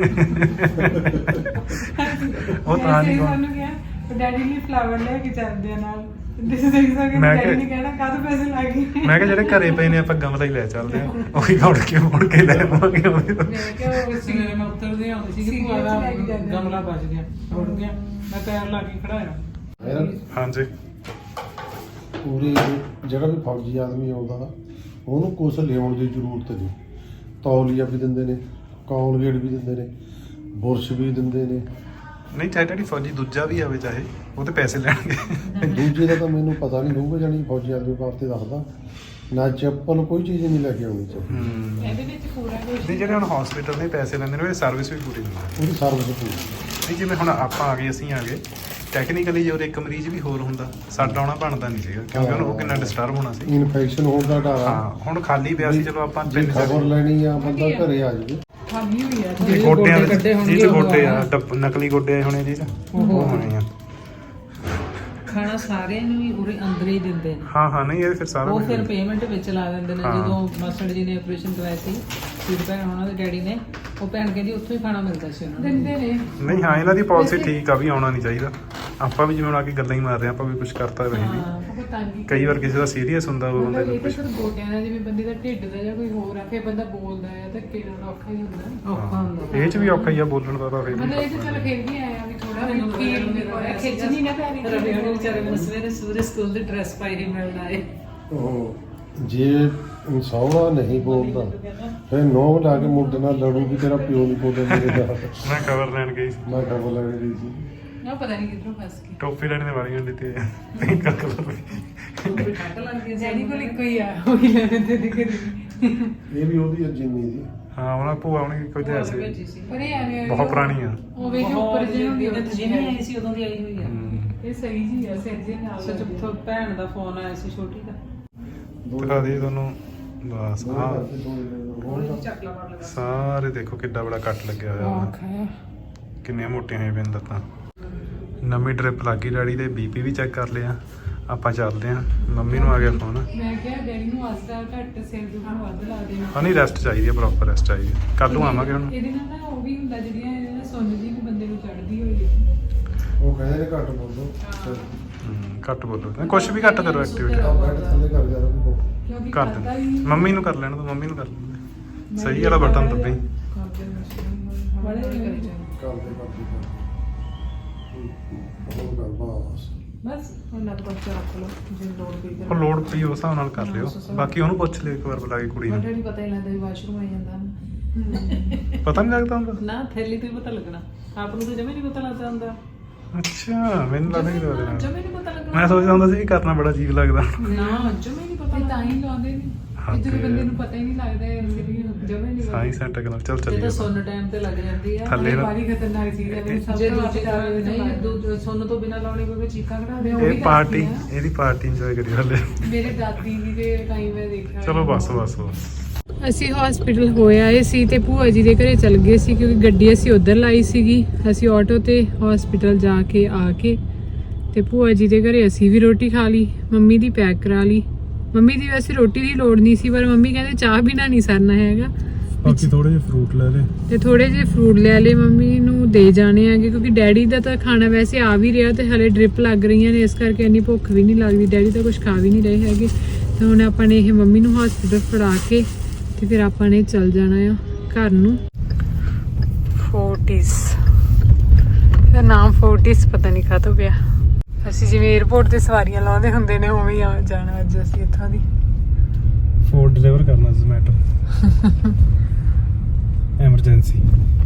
[SPEAKER 2] ਉਹ ਤਾਂ ਨਹੀਂ
[SPEAKER 1] ਸਾਨੂੰ ਕਿਹਾ ਡੈਡੀ ਨੇ ਫਲਾਵਰ ਲੈ ਕੇ ਚੱਲਦੇ ਆ ਨਾਲ। ਦਿਸ ਦੇਖ ਸਕਦੇ
[SPEAKER 2] ਮੈਂ
[SPEAKER 1] ਡੈਡੀ
[SPEAKER 2] ਕਿਹਾ-
[SPEAKER 1] ਨੇ ਕਹਿਣਾ ਕਾਹਦੇ ਪੈਸੇ ਲੱਗੇ।
[SPEAKER 2] ਮੈਂ ਕਿਹਾ ਜਿਹੜੇ ਘਰੇ ਪਏ ਨੇ ਆਪਾਂ ਗਮਲਾ ਹੀ ਲੈ ਚੱਲਦੇ ਆ, ਉਹੀ ਮੁੜ ਕੇ ਮੁੜ ਕੇ ਲੈ ਆਵਾਂਗੇ ਉਹਦੇ ਤੋਂ।
[SPEAKER 1] ਮੈਂ ਕਿਹਾ ਉਹ ਸੀ
[SPEAKER 4] ਸਵੇਰੇ ਮੈਂ ਉੱਤਰਦੇ ਆਉਂਦੀ ਸੀ ਕਿ ਭੂਆ ਦਾ ਗਮਲਾ ਬਚ ਗਿਆ, ਉੜ ਗਿਆ। ਮੈਂ ਪੈਰ ਲਾ ਕੇ ਖੜਾਇਆ।
[SPEAKER 3] ਮੇਰਾ
[SPEAKER 2] ਹਾਂਜੀ
[SPEAKER 3] ਪੂਰੀ ਜਿਹੜਾ ਵੀ ਫੌਜੀ ਆਦਮੀ ਆਉਂਦਾ ਉਹਨੂੰ ਕੁਛ ਲਿਆਉਣ ਦੀ ਜ਼ਰੂਰਤ ਨਹੀਂ। ਤੌਲੀਆ ਵੀ ਦਿੰਦੇ ਨੇ, ਕੋਲਗੇਟ ਵੀ ਦਿੰਦੇ ਨੇ, ਬੁਰਸ਼ ਵੀ ਦਿੰਦੇ ਨੇ।
[SPEAKER 2] ਨਹੀਂ ਚਾਹੇ ਡੈਡੀ ਫੌਜੀ ਦੂਜਾ ਵੀ ਆਵੇ, ਚਾਹੇ ਉਹ ਤੇ ਪੈਸੇ ਲੈਣਗੇ।
[SPEAKER 3] ਦੂਜੇ ਦਾ ਤਾਂ ਮੈਨੂੰ ਪਤਾ ਨਹੀਂ ਹੋਊਗਾ, ਜਾਣੀ ਫੌਜੀ ਆਦਮੀ ਵਾਸਤੇ ਦੱਸਦਾ। ਨਾ ਚੱਪਲ ਕੋਈ ਚੀਜ਼ ਨਹੀਂ ਲੈ ਕੇ ਆਉਣੀ ਚਾਹੀਦੀ।
[SPEAKER 2] ਹੂੰ
[SPEAKER 1] ਇਹਦੇ ਵਿੱਚ ਪੂਰਾ ਕੁਝ
[SPEAKER 2] ਨਹੀਂ, ਜਿਹੜੇ ਹੁਣ ਹਸਪੀਟਲ ਦੇ ਪੈਸੇ ਲੈਂਦੇ ਨੇ ਉਹ ਸਰਵਿਸ ਵੀ ਪੂਰੀ ਦਿੰਦੇ ਨੇ।
[SPEAKER 3] ਉਹਦੀ ਸਰਵਿਸ ਪੂਰੀ।
[SPEAKER 2] ਨਹੀਂ ਜਿਵੇਂ ਹੁਣ ਆਪਾਂ ਆ ਗਏ, ਅਸੀਂ ਆ ਗਏ, ਟੈਕਨੀਕਲੀ ਜੇ ਉਹ ਇੱਕ ਮਰੀਜ਼ ਵੀ ਹੋਰ ਹੁੰਦਾ, ਸਾਡਾ ਆਉਣਾ ਬਣਦਾ ਨਹੀਂ ਸੀਗਾ, ਕਿਉਂਕਿ ਉਹਨੂੰ ਉਹ ਕਿੰਨਾ ਡਿਸਟਰਬ ਹੋਣਾ ਸੀ।
[SPEAKER 3] ਇਨਫੈਕਸ਼ਨ ਹੋਣ ਦਾ ਡਰ ਆ।
[SPEAKER 2] ਹਾਂ, ਹੁਣ ਖਾਲੀ ਪਿਆ ਸੀ, ਚਲੋ ਆਪਾਂ
[SPEAKER 3] ਜੇ
[SPEAKER 2] ਤਿੰਨ
[SPEAKER 3] ਖਬਰ
[SPEAKER 2] ਚਾਰ
[SPEAKER 3] ਲੈਣੀ ਆ ਬੰਦਾ ਘਰੇ ਆ ਜਾਵੇ।
[SPEAKER 1] ਖਾਲੀ ਹੋਈ ਆ।
[SPEAKER 2] ਇਹ ਗੋਡਿਆਂ
[SPEAKER 4] ਗੋਡੇ
[SPEAKER 2] ਵਿੱਚ
[SPEAKER 4] ਕੱਢੇ ਹੋਣਗੇ
[SPEAKER 2] ਜਿਹਦੇ
[SPEAKER 4] ਉਹ
[SPEAKER 2] ਗੋਡੇ ਆ
[SPEAKER 4] ਆ।
[SPEAKER 2] ਡੱਬ- ਨਕਲੀ ਗੋਡੇ ਹੋਣੇ ਜੀ, ਉਹ ਹੋਣੇ ਆ।
[SPEAKER 4] ਖਾਣਾ ਸਾਰਿਆਂ ਨੂੰ ਹੀ ਉਰੇ ਅੰਦਰ ਹੀ ਦਿੰਦੇ ਨੇ।
[SPEAKER 2] ਹਾਂ ਹਾਂ, ਨਹੀਂ ਇਹ ਫਿਰ ਸਾਰਾ
[SPEAKER 4] ਉਹ
[SPEAKER 2] ਕੁਝ
[SPEAKER 4] ਫਿਰ ਪੇਮੈਂਟ ਵਿੱਚ ਲਾ ਦਿੰਦੇ ਨੇ।
[SPEAKER 2] ਹਾਂ।
[SPEAKER 4] ਜਦੋਂ ਮਾਸਟਰ ਜੀ ਨੇ ਆਪਰੇਸ਼ਨ ਕਰਵਾਇਆ ਸੀ, ਫਿਰ ਭੈਣ ਉਹਨਾਂ ਦੇ ਡੈਡੀ ਨੇ, ਉਹ ਭੈਣ ਕਹਿੰਦੀ ਉੱਥੋਂ ਹੀ ਖਾਣਾ ਮਿਲਦਾ ਸੀ ਉਹਨਾਂ ਨੂੰ।
[SPEAKER 1] ਦਿੰਦੇ ਨੇ।
[SPEAKER 2] ਨਹੀਂ ਹਾਂ, ਇਹਨਾਂ ਦੀ ਪਾਲਿਸੀ ਠੀਕ ਆ ਵੀ ਆਉਣਾ ਨਹੀਂ ਚਾਹੀਦਾ। ਆਪਾਂ ਵੀ ਜਿਵੇਂ ਹੁਣ ਆ ਕੇ ਗੱਲਾਂ ਹੀ ਮਾਰ ਰਹੇ ਹਾਂ, ਆਪਾਂ ਵੀ ਕੁਝ ਕਰਤਾ ਰਹੇ ਨਹੀਂ।
[SPEAKER 4] ਹਾਂ।
[SPEAKER 1] ਉਹ ਤੰਗੀ
[SPEAKER 2] ਕਈ ਵਾਰ ਕਿਸੇ ਦਾ ਸੀਰੀਅਸ ਹੁੰਦਾ ਉਹ ਬੰਦੇ
[SPEAKER 1] ਮਤਲਬ
[SPEAKER 2] ਨੂੰ
[SPEAKER 1] ਇਹ ਤਾਂ
[SPEAKER 2] ਕੁਝ
[SPEAKER 1] ਸਿਰਫ ਗੋਡਿਆਂ ਦਾ, ਜਿਵੇਂ ਬੰਦੇ ਦਾ ਢਿੱਡ ਦਾ ਜਾਂ ਕੋਈ ਹੋਰ ਆ, ਫਿਰ ਬੰਦਾ ਬੋਲਦਾ ਆ ਤਾਂ ਕਿਹੜਾ ਔਖਾ ਹੀ ਹੁੰਦਾ।
[SPEAKER 4] ਔਖਾ ਹੁੰਦਾ।
[SPEAKER 2] ਇਹ ਚ ਵੀ ਔਖਾ ਹੀ ਆ ਬੋਲਣ ਦਾ ਤਾਂ ਫਿਰ ਵੀ।
[SPEAKER 1] ਮਤਲਬ ਇਹ ਤਾਂ ਚੱਲ ਫਿਰ ਵੀ ਆਇਆ ਵੀ ਥੋੜਾ
[SPEAKER 4] ਮੈਨੂੰ
[SPEAKER 1] ਫੀਲ ਨਹੀਂ ਹੋਇਆ, ਖਿੱਚ ਨਹੀਂ ਨਾ ਪੈ ਰਹੀ।
[SPEAKER 4] ਰਵੀ ਹੋਣੀ ਵਿਚਾਰੇ ਮੈਨੂੰ ਸਵੇਰੇ ਸੂਰੇ ਸਕੂਲ ਦੀ ਡਰੈਸ ਪਾਈ ਹੀ ਮਿਲਦਾ ਏ।
[SPEAKER 3] ਉਹ ਜੇ ਸਹੁਰਾ ਨਹੀਂ ਬੋਲਦਾ ਫਿਰ ਨੌ ਲਾ ਕੇ ਮੁੰਡੇ ਨਾਲ ਲੜੂ ਵੀ ਤੇਰਾ ਪਿਓ ਨਹੀਂ ਬੋਲਦਾ ਮੇਰੇ ਨਾਲ।
[SPEAKER 2] ਮੈਂ ਖਬਰ ਲੈਣ ਗਈ ਸੀ,
[SPEAKER 3] ਮੈਂ ਖਬਰ ਲੈਣ ਗਈ ਸੀ।
[SPEAKER 1] ਨਾ ਪਤਾ ਨਹੀਂ ਕਿੱਧਰੋਂ ਫਸ ਗਈ।
[SPEAKER 2] ਟੋਪੀ ਲੈਣ ਦੇ ਵਾਲੀਆਂ ਦੀ ਤੇ ਪਿੰਕ ਕਲਰ ਦੀ।
[SPEAKER 4] ਉਹ ਵੀ ਠੰਡ ਲੱਗ ਗਈ
[SPEAKER 1] ਜੈਨੀ ਕੋਲ ਇੱਕੋ ਹੀ ਆ, ਉਹ ਹੀ ਲੈਣੇ ਤੇ ਦਿਖ ਰਹੀ।
[SPEAKER 3] ਇਹ ਵੀ ਉਹਦੀ ਆ ਜਿੰਨੀ ਦੀ।
[SPEAKER 2] ਹਾਂ ਉਹਨਾਂ ਭੂਆ ਉਹਨੇ ਕੋਈ ਲਿਆ ਸੀ
[SPEAKER 4] ਭੇਜੀ ਸੀ
[SPEAKER 1] ਪਰ ਇਹ ਐਵੇਂ
[SPEAKER 2] ਬਹੁਤ ਪੁਰਾਣੀ ਆ।
[SPEAKER 1] ਉਹ ਵੇਖ ਉੱਪਰ ਜਿਹਨੂੰ
[SPEAKER 4] ਤੇ ਜਿੰਨੀ ਆਈ ਸੀ ਉਦੋਂ ਦੀ ਆਈ ਹੋਈ ਆ।
[SPEAKER 2] ਹੂੰ।
[SPEAKER 1] ਇਹ ਸਹੀ ਜੀ ਆ ਸਿਰ ਜੇ ਨਾਲ
[SPEAKER 4] ਸੱਚ ਉੱਥੋਂ ਭੈਣ ਦਾ ਫੋਨ ਆਇਆ ਸੀ ਛੋਟੀ ਦਾ।
[SPEAKER 2] ਦਿਖਾ ਦੇ ਤੁਹਾਨੂੰ ਬਸ
[SPEAKER 3] ਦੋ
[SPEAKER 2] ਹਾਂ
[SPEAKER 3] ਕਰਕੇ ਦੋ ਹੋਰ
[SPEAKER 4] ਉਹਨੇ ਚੱਕਲਾ ਮਾਰ ਲਗਾ।
[SPEAKER 2] ਸਾਰੇ ਦੇਖੋ ਕਿੱਡਾ ਬੜਾ ਕੱਟ ਲੱਗਿਆ ਹੋਇਆ
[SPEAKER 1] ਆਹ
[SPEAKER 2] ਵਾ।
[SPEAKER 1] ਖਾਇਆ
[SPEAKER 2] ਕਿੰਨੀਆਂ ਮੋਟੀਆਂ ਹੋਈਆਂ ਪੈਣ ਲੱਤਾਂ। ਨਵੀਂ ਡ੍ਰਿਪ ਲੱਗ ਗਈ ਡੈਡੀ ਦੇ, ਬੀਪੀ ਵੀ ਚੈੱਕ ਕਰ ਲਿਆ। ਆਪਾਂ ਚੱਲਦੇ ਆਂ। ਮੰਮੀ ਨੂੰ ਆ ਗਿਆ ਫੋਨ।
[SPEAKER 1] ਮੈਂ ਕਿਹਾ ਡੈਡੀ ਨੂੰ ਆਸਤਾ ਘੱਟ ਸਿਰ ਦੁਖਣ ਵੱਧ ਲਾ ਦੇਣਾ
[SPEAKER 2] ਹਾਂ ਨਹੀਂ ਰੈਸਟ ਚਾਹੀਦੀ ਹੈ, ਪ੍ਰੋਪਰ ਰੈਸਟ ਚਾਹੀਦੀ ਹੈ। ਕੱਲ ਨੂੰ ਆਵਾਂਗੇ ਹੁਣ।
[SPEAKER 1] ਇਹਦੇ ਨਾਲ ਨਾ ਉਹ ਵੀ ਹੁੰਦਾ ਜਿਹੜੀਆਂ ਇਹਦੇ ਨਾਲ ਸੁੰਨ ਜੀ ਨੂੰ ਬੰਦੇ ਨੂੰ ਚੜਦੀ ਹੋਈ ਹੈ।
[SPEAKER 3] ਉਹ ਕਹਿੰਦੇ ਨੇ ਘੱਟ ਬੋਲੋ।
[SPEAKER 2] ਹਮ, ਘੱਟ ਬੋਲੋ ਕੁਛ ਵੀ ਘੱਟ ਕਰੋ ਐਕਟੀਵਿਟੀ
[SPEAKER 3] ਆਹ ਬੈਠ ਥੱਲੇ ਕਰ ਜਾ ਰੋ ਕੋ।
[SPEAKER 1] ਕਿਉਂਕਿ
[SPEAKER 2] ਕਰ
[SPEAKER 1] ਖਾਧਾ
[SPEAKER 2] ਦੇ।
[SPEAKER 1] ਹੀ
[SPEAKER 2] ਮੰਮੀ ਨੂੰ ਕਰ ਲੈਣ ਦੋ, ਮੰਮੀ ਨੂੰ ਕਰ ਲੈਣ ਦੇ। ਸਹੀ ਵਾਲਾ ਬਟਨ ਦੱਬੀ।
[SPEAKER 4] ਕਰਦੇ ਮਸ਼ੀਨ
[SPEAKER 1] ਬੜੇ
[SPEAKER 4] ਕਰੀ ਜਾਂਦੇ।
[SPEAKER 3] ਕਰਦੇ ਕਰਦੇ ਉਹ ਗੱਲ ਬਾਸ।
[SPEAKER 1] ਬਸ
[SPEAKER 4] ਹੁਣ ਨਾ ਤਾਂ ਰੱਖ ਲਓ ਜੇ ਲੋੜ ਪਈ
[SPEAKER 2] ਉਹ ਲੋਡ ਪਈ ਉਸ ਹਿਸਾਬ ਨਾਲ ਕਰ ਲਿਓ। ਬਾਕੀ ਉਹਨੂੰ ਪੁੱਛ ਲਿਓ ਇੱਕ ਵਾਰ ਬੁਲਾ ਕੇ ਕੁੜੀ ਨੂੰ।
[SPEAKER 4] ਵੱਡੇ ਨਹੀਂ ਪਤਾ ਹੀ ਲੱਗਦਾ ਵੀ ਵਾਸ਼ਰੂਮ ਆਈ ਜਾਂਦਾ ਨਾ।
[SPEAKER 2] ਪਤਾ ਨਹੀਂ ਲੱਗਦਾ ਹੁੰਦਾ।
[SPEAKER 4] ਨਾ ਥੈਲੀ ਤੋਂ ਹੀ ਪਤਾ ਲੱਗਣਾ। ਆਪ ਨੂੰ ਤਾਂ ਜਮੇ ਨਹੀਂ ਪਤਾ ਲੱਗਦਾ ਹੁੰਦਾ।
[SPEAKER 2] ਅੱਛਾ ਮੈਨੂੰ ਲੱਗਦਾ ਕਿ ਉਹਦੇ ਨਾਲ
[SPEAKER 4] ਜਮੇ ਨਹੀਂ ਪਤਾ ਲੱਗਣਾ।
[SPEAKER 2] ਮੈਂ ਸੋਚਦਾ ਹੁੰਦਾ ਸੀ ਕਿ ਕਰਨਾ ਬੜਾ ਅਜੀਬ ਲੱਗਦਾ।
[SPEAKER 4] ਨਾ ਜਮੇ ਨਹੀਂ ਪਤਾ
[SPEAKER 1] ਤੇ ਤਾਂ ਹੀ ਲਾਉਂਦੇ ਨੇ
[SPEAKER 2] ਹਾਂ
[SPEAKER 1] ਕਿ ਜਦੋਂ
[SPEAKER 2] ਤੇ-
[SPEAKER 1] ਬੰਦੇ ਨੂੰ ਪਤਾ ਹੀ ਨਹੀਂ ਲੱਗਦਾ ਇਹ ਐਕਚੁਅਲੀ
[SPEAKER 4] ਜਮੇ ਨਹੀਂ ਪਤਾ।
[SPEAKER 2] ਸਾਇੰਸ ਐਂਡ ਟੈਕਨੋਲੋਜੀ ਚੱਲ
[SPEAKER 4] ਜੇ
[SPEAKER 2] ਚੱਲੀਏ।
[SPEAKER 4] ਤਾਂ ਸੁੰਨ ਟਾਈਮ ਤੇ ਲੱਗ ਜਾਂਦੀ ਆ।
[SPEAKER 2] ਥੱਲੇ ਨਾ-
[SPEAKER 1] ਬਾਰੀ ਖਤਰਨਾਕ ਚੀਜ਼ ਹੈ ਮੈਨੂੰ ਸਭ
[SPEAKER 4] ਜੇ
[SPEAKER 1] ਤੋਂ
[SPEAKER 4] ਦੂਜੀ
[SPEAKER 1] ਵੱਧ
[SPEAKER 4] ਤਰ੍ਹਾਂ
[SPEAKER 1] ਡਰ
[SPEAKER 4] ਨਹੀਂ ਦੂ- ਸੁੰਨ ਤੋਂ ਬਿਨਾਂ ਲਾਉਣੀ ਪਵੇ ਚੀਕਾਂ ਕਢਾ ਦੇ।
[SPEAKER 1] ਉਹ ਵੀ
[SPEAKER 2] ਇਹ ਪਾਰਟੀ
[SPEAKER 1] ਕਰਦੀ ਆ।
[SPEAKER 2] ਇਹਦੀ ਪਾਰਟੀ ਇੰਜੋਏ ਕਰੀ ਹਲੇ।
[SPEAKER 1] ਮੇਰੇ ਦਾਦੀ ਜੀ ਦੇ ਟਾਈਮ ਮੈਂ ਦੇਖਿਆ
[SPEAKER 2] ਚਲੋ ਬਸ ਬਸ ਬਸ।
[SPEAKER 1] ਅਸੀਂ ਹਸਪੀਟਲ ਹੋਏ ਆਏ ਸੀ ਤੇ ਭੂਆ ਜੀ ਦੇ ਘਰੇ ਚਲ ਗਏ ਸੀ ਕਿਉਂਕਿ ਗੱਡੀ ਅਸੀਂ ਉਧਰ ਲਾਈ ਸੀਗੀ। ਅਸੀਂ ਆਟੋ ਤੇ ਹਸਪੀਟਲ ਜਾ ਕੇ ਆ ਕੇ ਤੇ ਭੂਆ ਜੀ ਦੇ ਘਰੇ ਅਸੀਂ ਵੀ ਰੋਟੀ ਖਾ ਲਈ। ਮੰਮੀ ਦੀ ਪੈਕ ਕਰਾ ਲਈ। ਮੰਮੀ ਦੀ ਵੈਸੇ ਰੋਟੀ ਦੀ ਲੋੜ ਨਹੀਂ ਸੀ ਪਰ ਮੰਮੀ ਕਹਿੰਦੇ ਚਾਹ ਬਿਨਾ ਨਹੀਂ ਸਰਨਾ ਹੈਗਾ।
[SPEAKER 2] ਬਾਕੀ ਥੋੜੇ ਜਿਹੇ ਫਰੂਟ ਲੈ ਲੈ
[SPEAKER 1] ਤੇ ਥੋੜੇ ਜਿਹੇ ਫਰੂਟ ਲੈ ਲਏ ਮੰਮੀ ਨੂੰ ਦੇ ਜਾਣੇ ਆਗੇ ਕਿਉਂਕਿ ਡੈਡੀ ਦਾ ਤਾਂ ਖਾਣਾ ਵੈਸੇ ਆ ਵੀ ਰਿਹਾ ਤੇ ਹਲੇ ਡ੍ਰਿਪ ਲੱਗ ਰਹੀਆਂ ਨੇ ਇਸ ਕਰਕੇ ਇੰਨੀ ਭੁੱਖ ਵੀ ਨਹੀਂ ਲੱਗਦੀ। ਡੈਡੀ ਤਾਂ ਕੁਝ ਖਾ ਵੀ ਨਹੀਂ ਰਹੇ ਹੈਗੇ। ਤੇ ਹੁਣ ਆਪਾਂ ਨੇ ਇਹ ਮੰਮੀ ਨੂੰ ਹਸਪੀਟਲ ਫੜਾ ਕੇ ਤੇ ਫਿਰ ਆਪਾਂ ਨੇ ਚੱਲ ਜਾਣਾ ਆ ਘਰ ਨੂੰ। ਫੋਰਟਿਸ ਇਹਦਾ ਨਾਮ ਫੋਰਟਿਸ ਪਤਾ ਨਹੀਂ ਕਾਹਤੋਂ ਪਿਆ। ਅਸੀਂ ਜਿਵੇਂ 에어ਪੋਰਟ ਤੇ ਸਵਾਰੀਆਂ ਲਾਉਂਦੇ ਹੁੰਦੇ ਨੇ ਉਵੇਂ ਹੀ ਆ ਜਾਣਾ ਅੱਜ ਅਸੀਂ ਇੱਥੋਂ ਦੀ।
[SPEAKER 2] ਫੂਡ ਡਿਲੀਵਰ ਕਰਨਾ ਜ਼ੋਮੈਟੋ ਐਮਰਜੈਂਸੀ।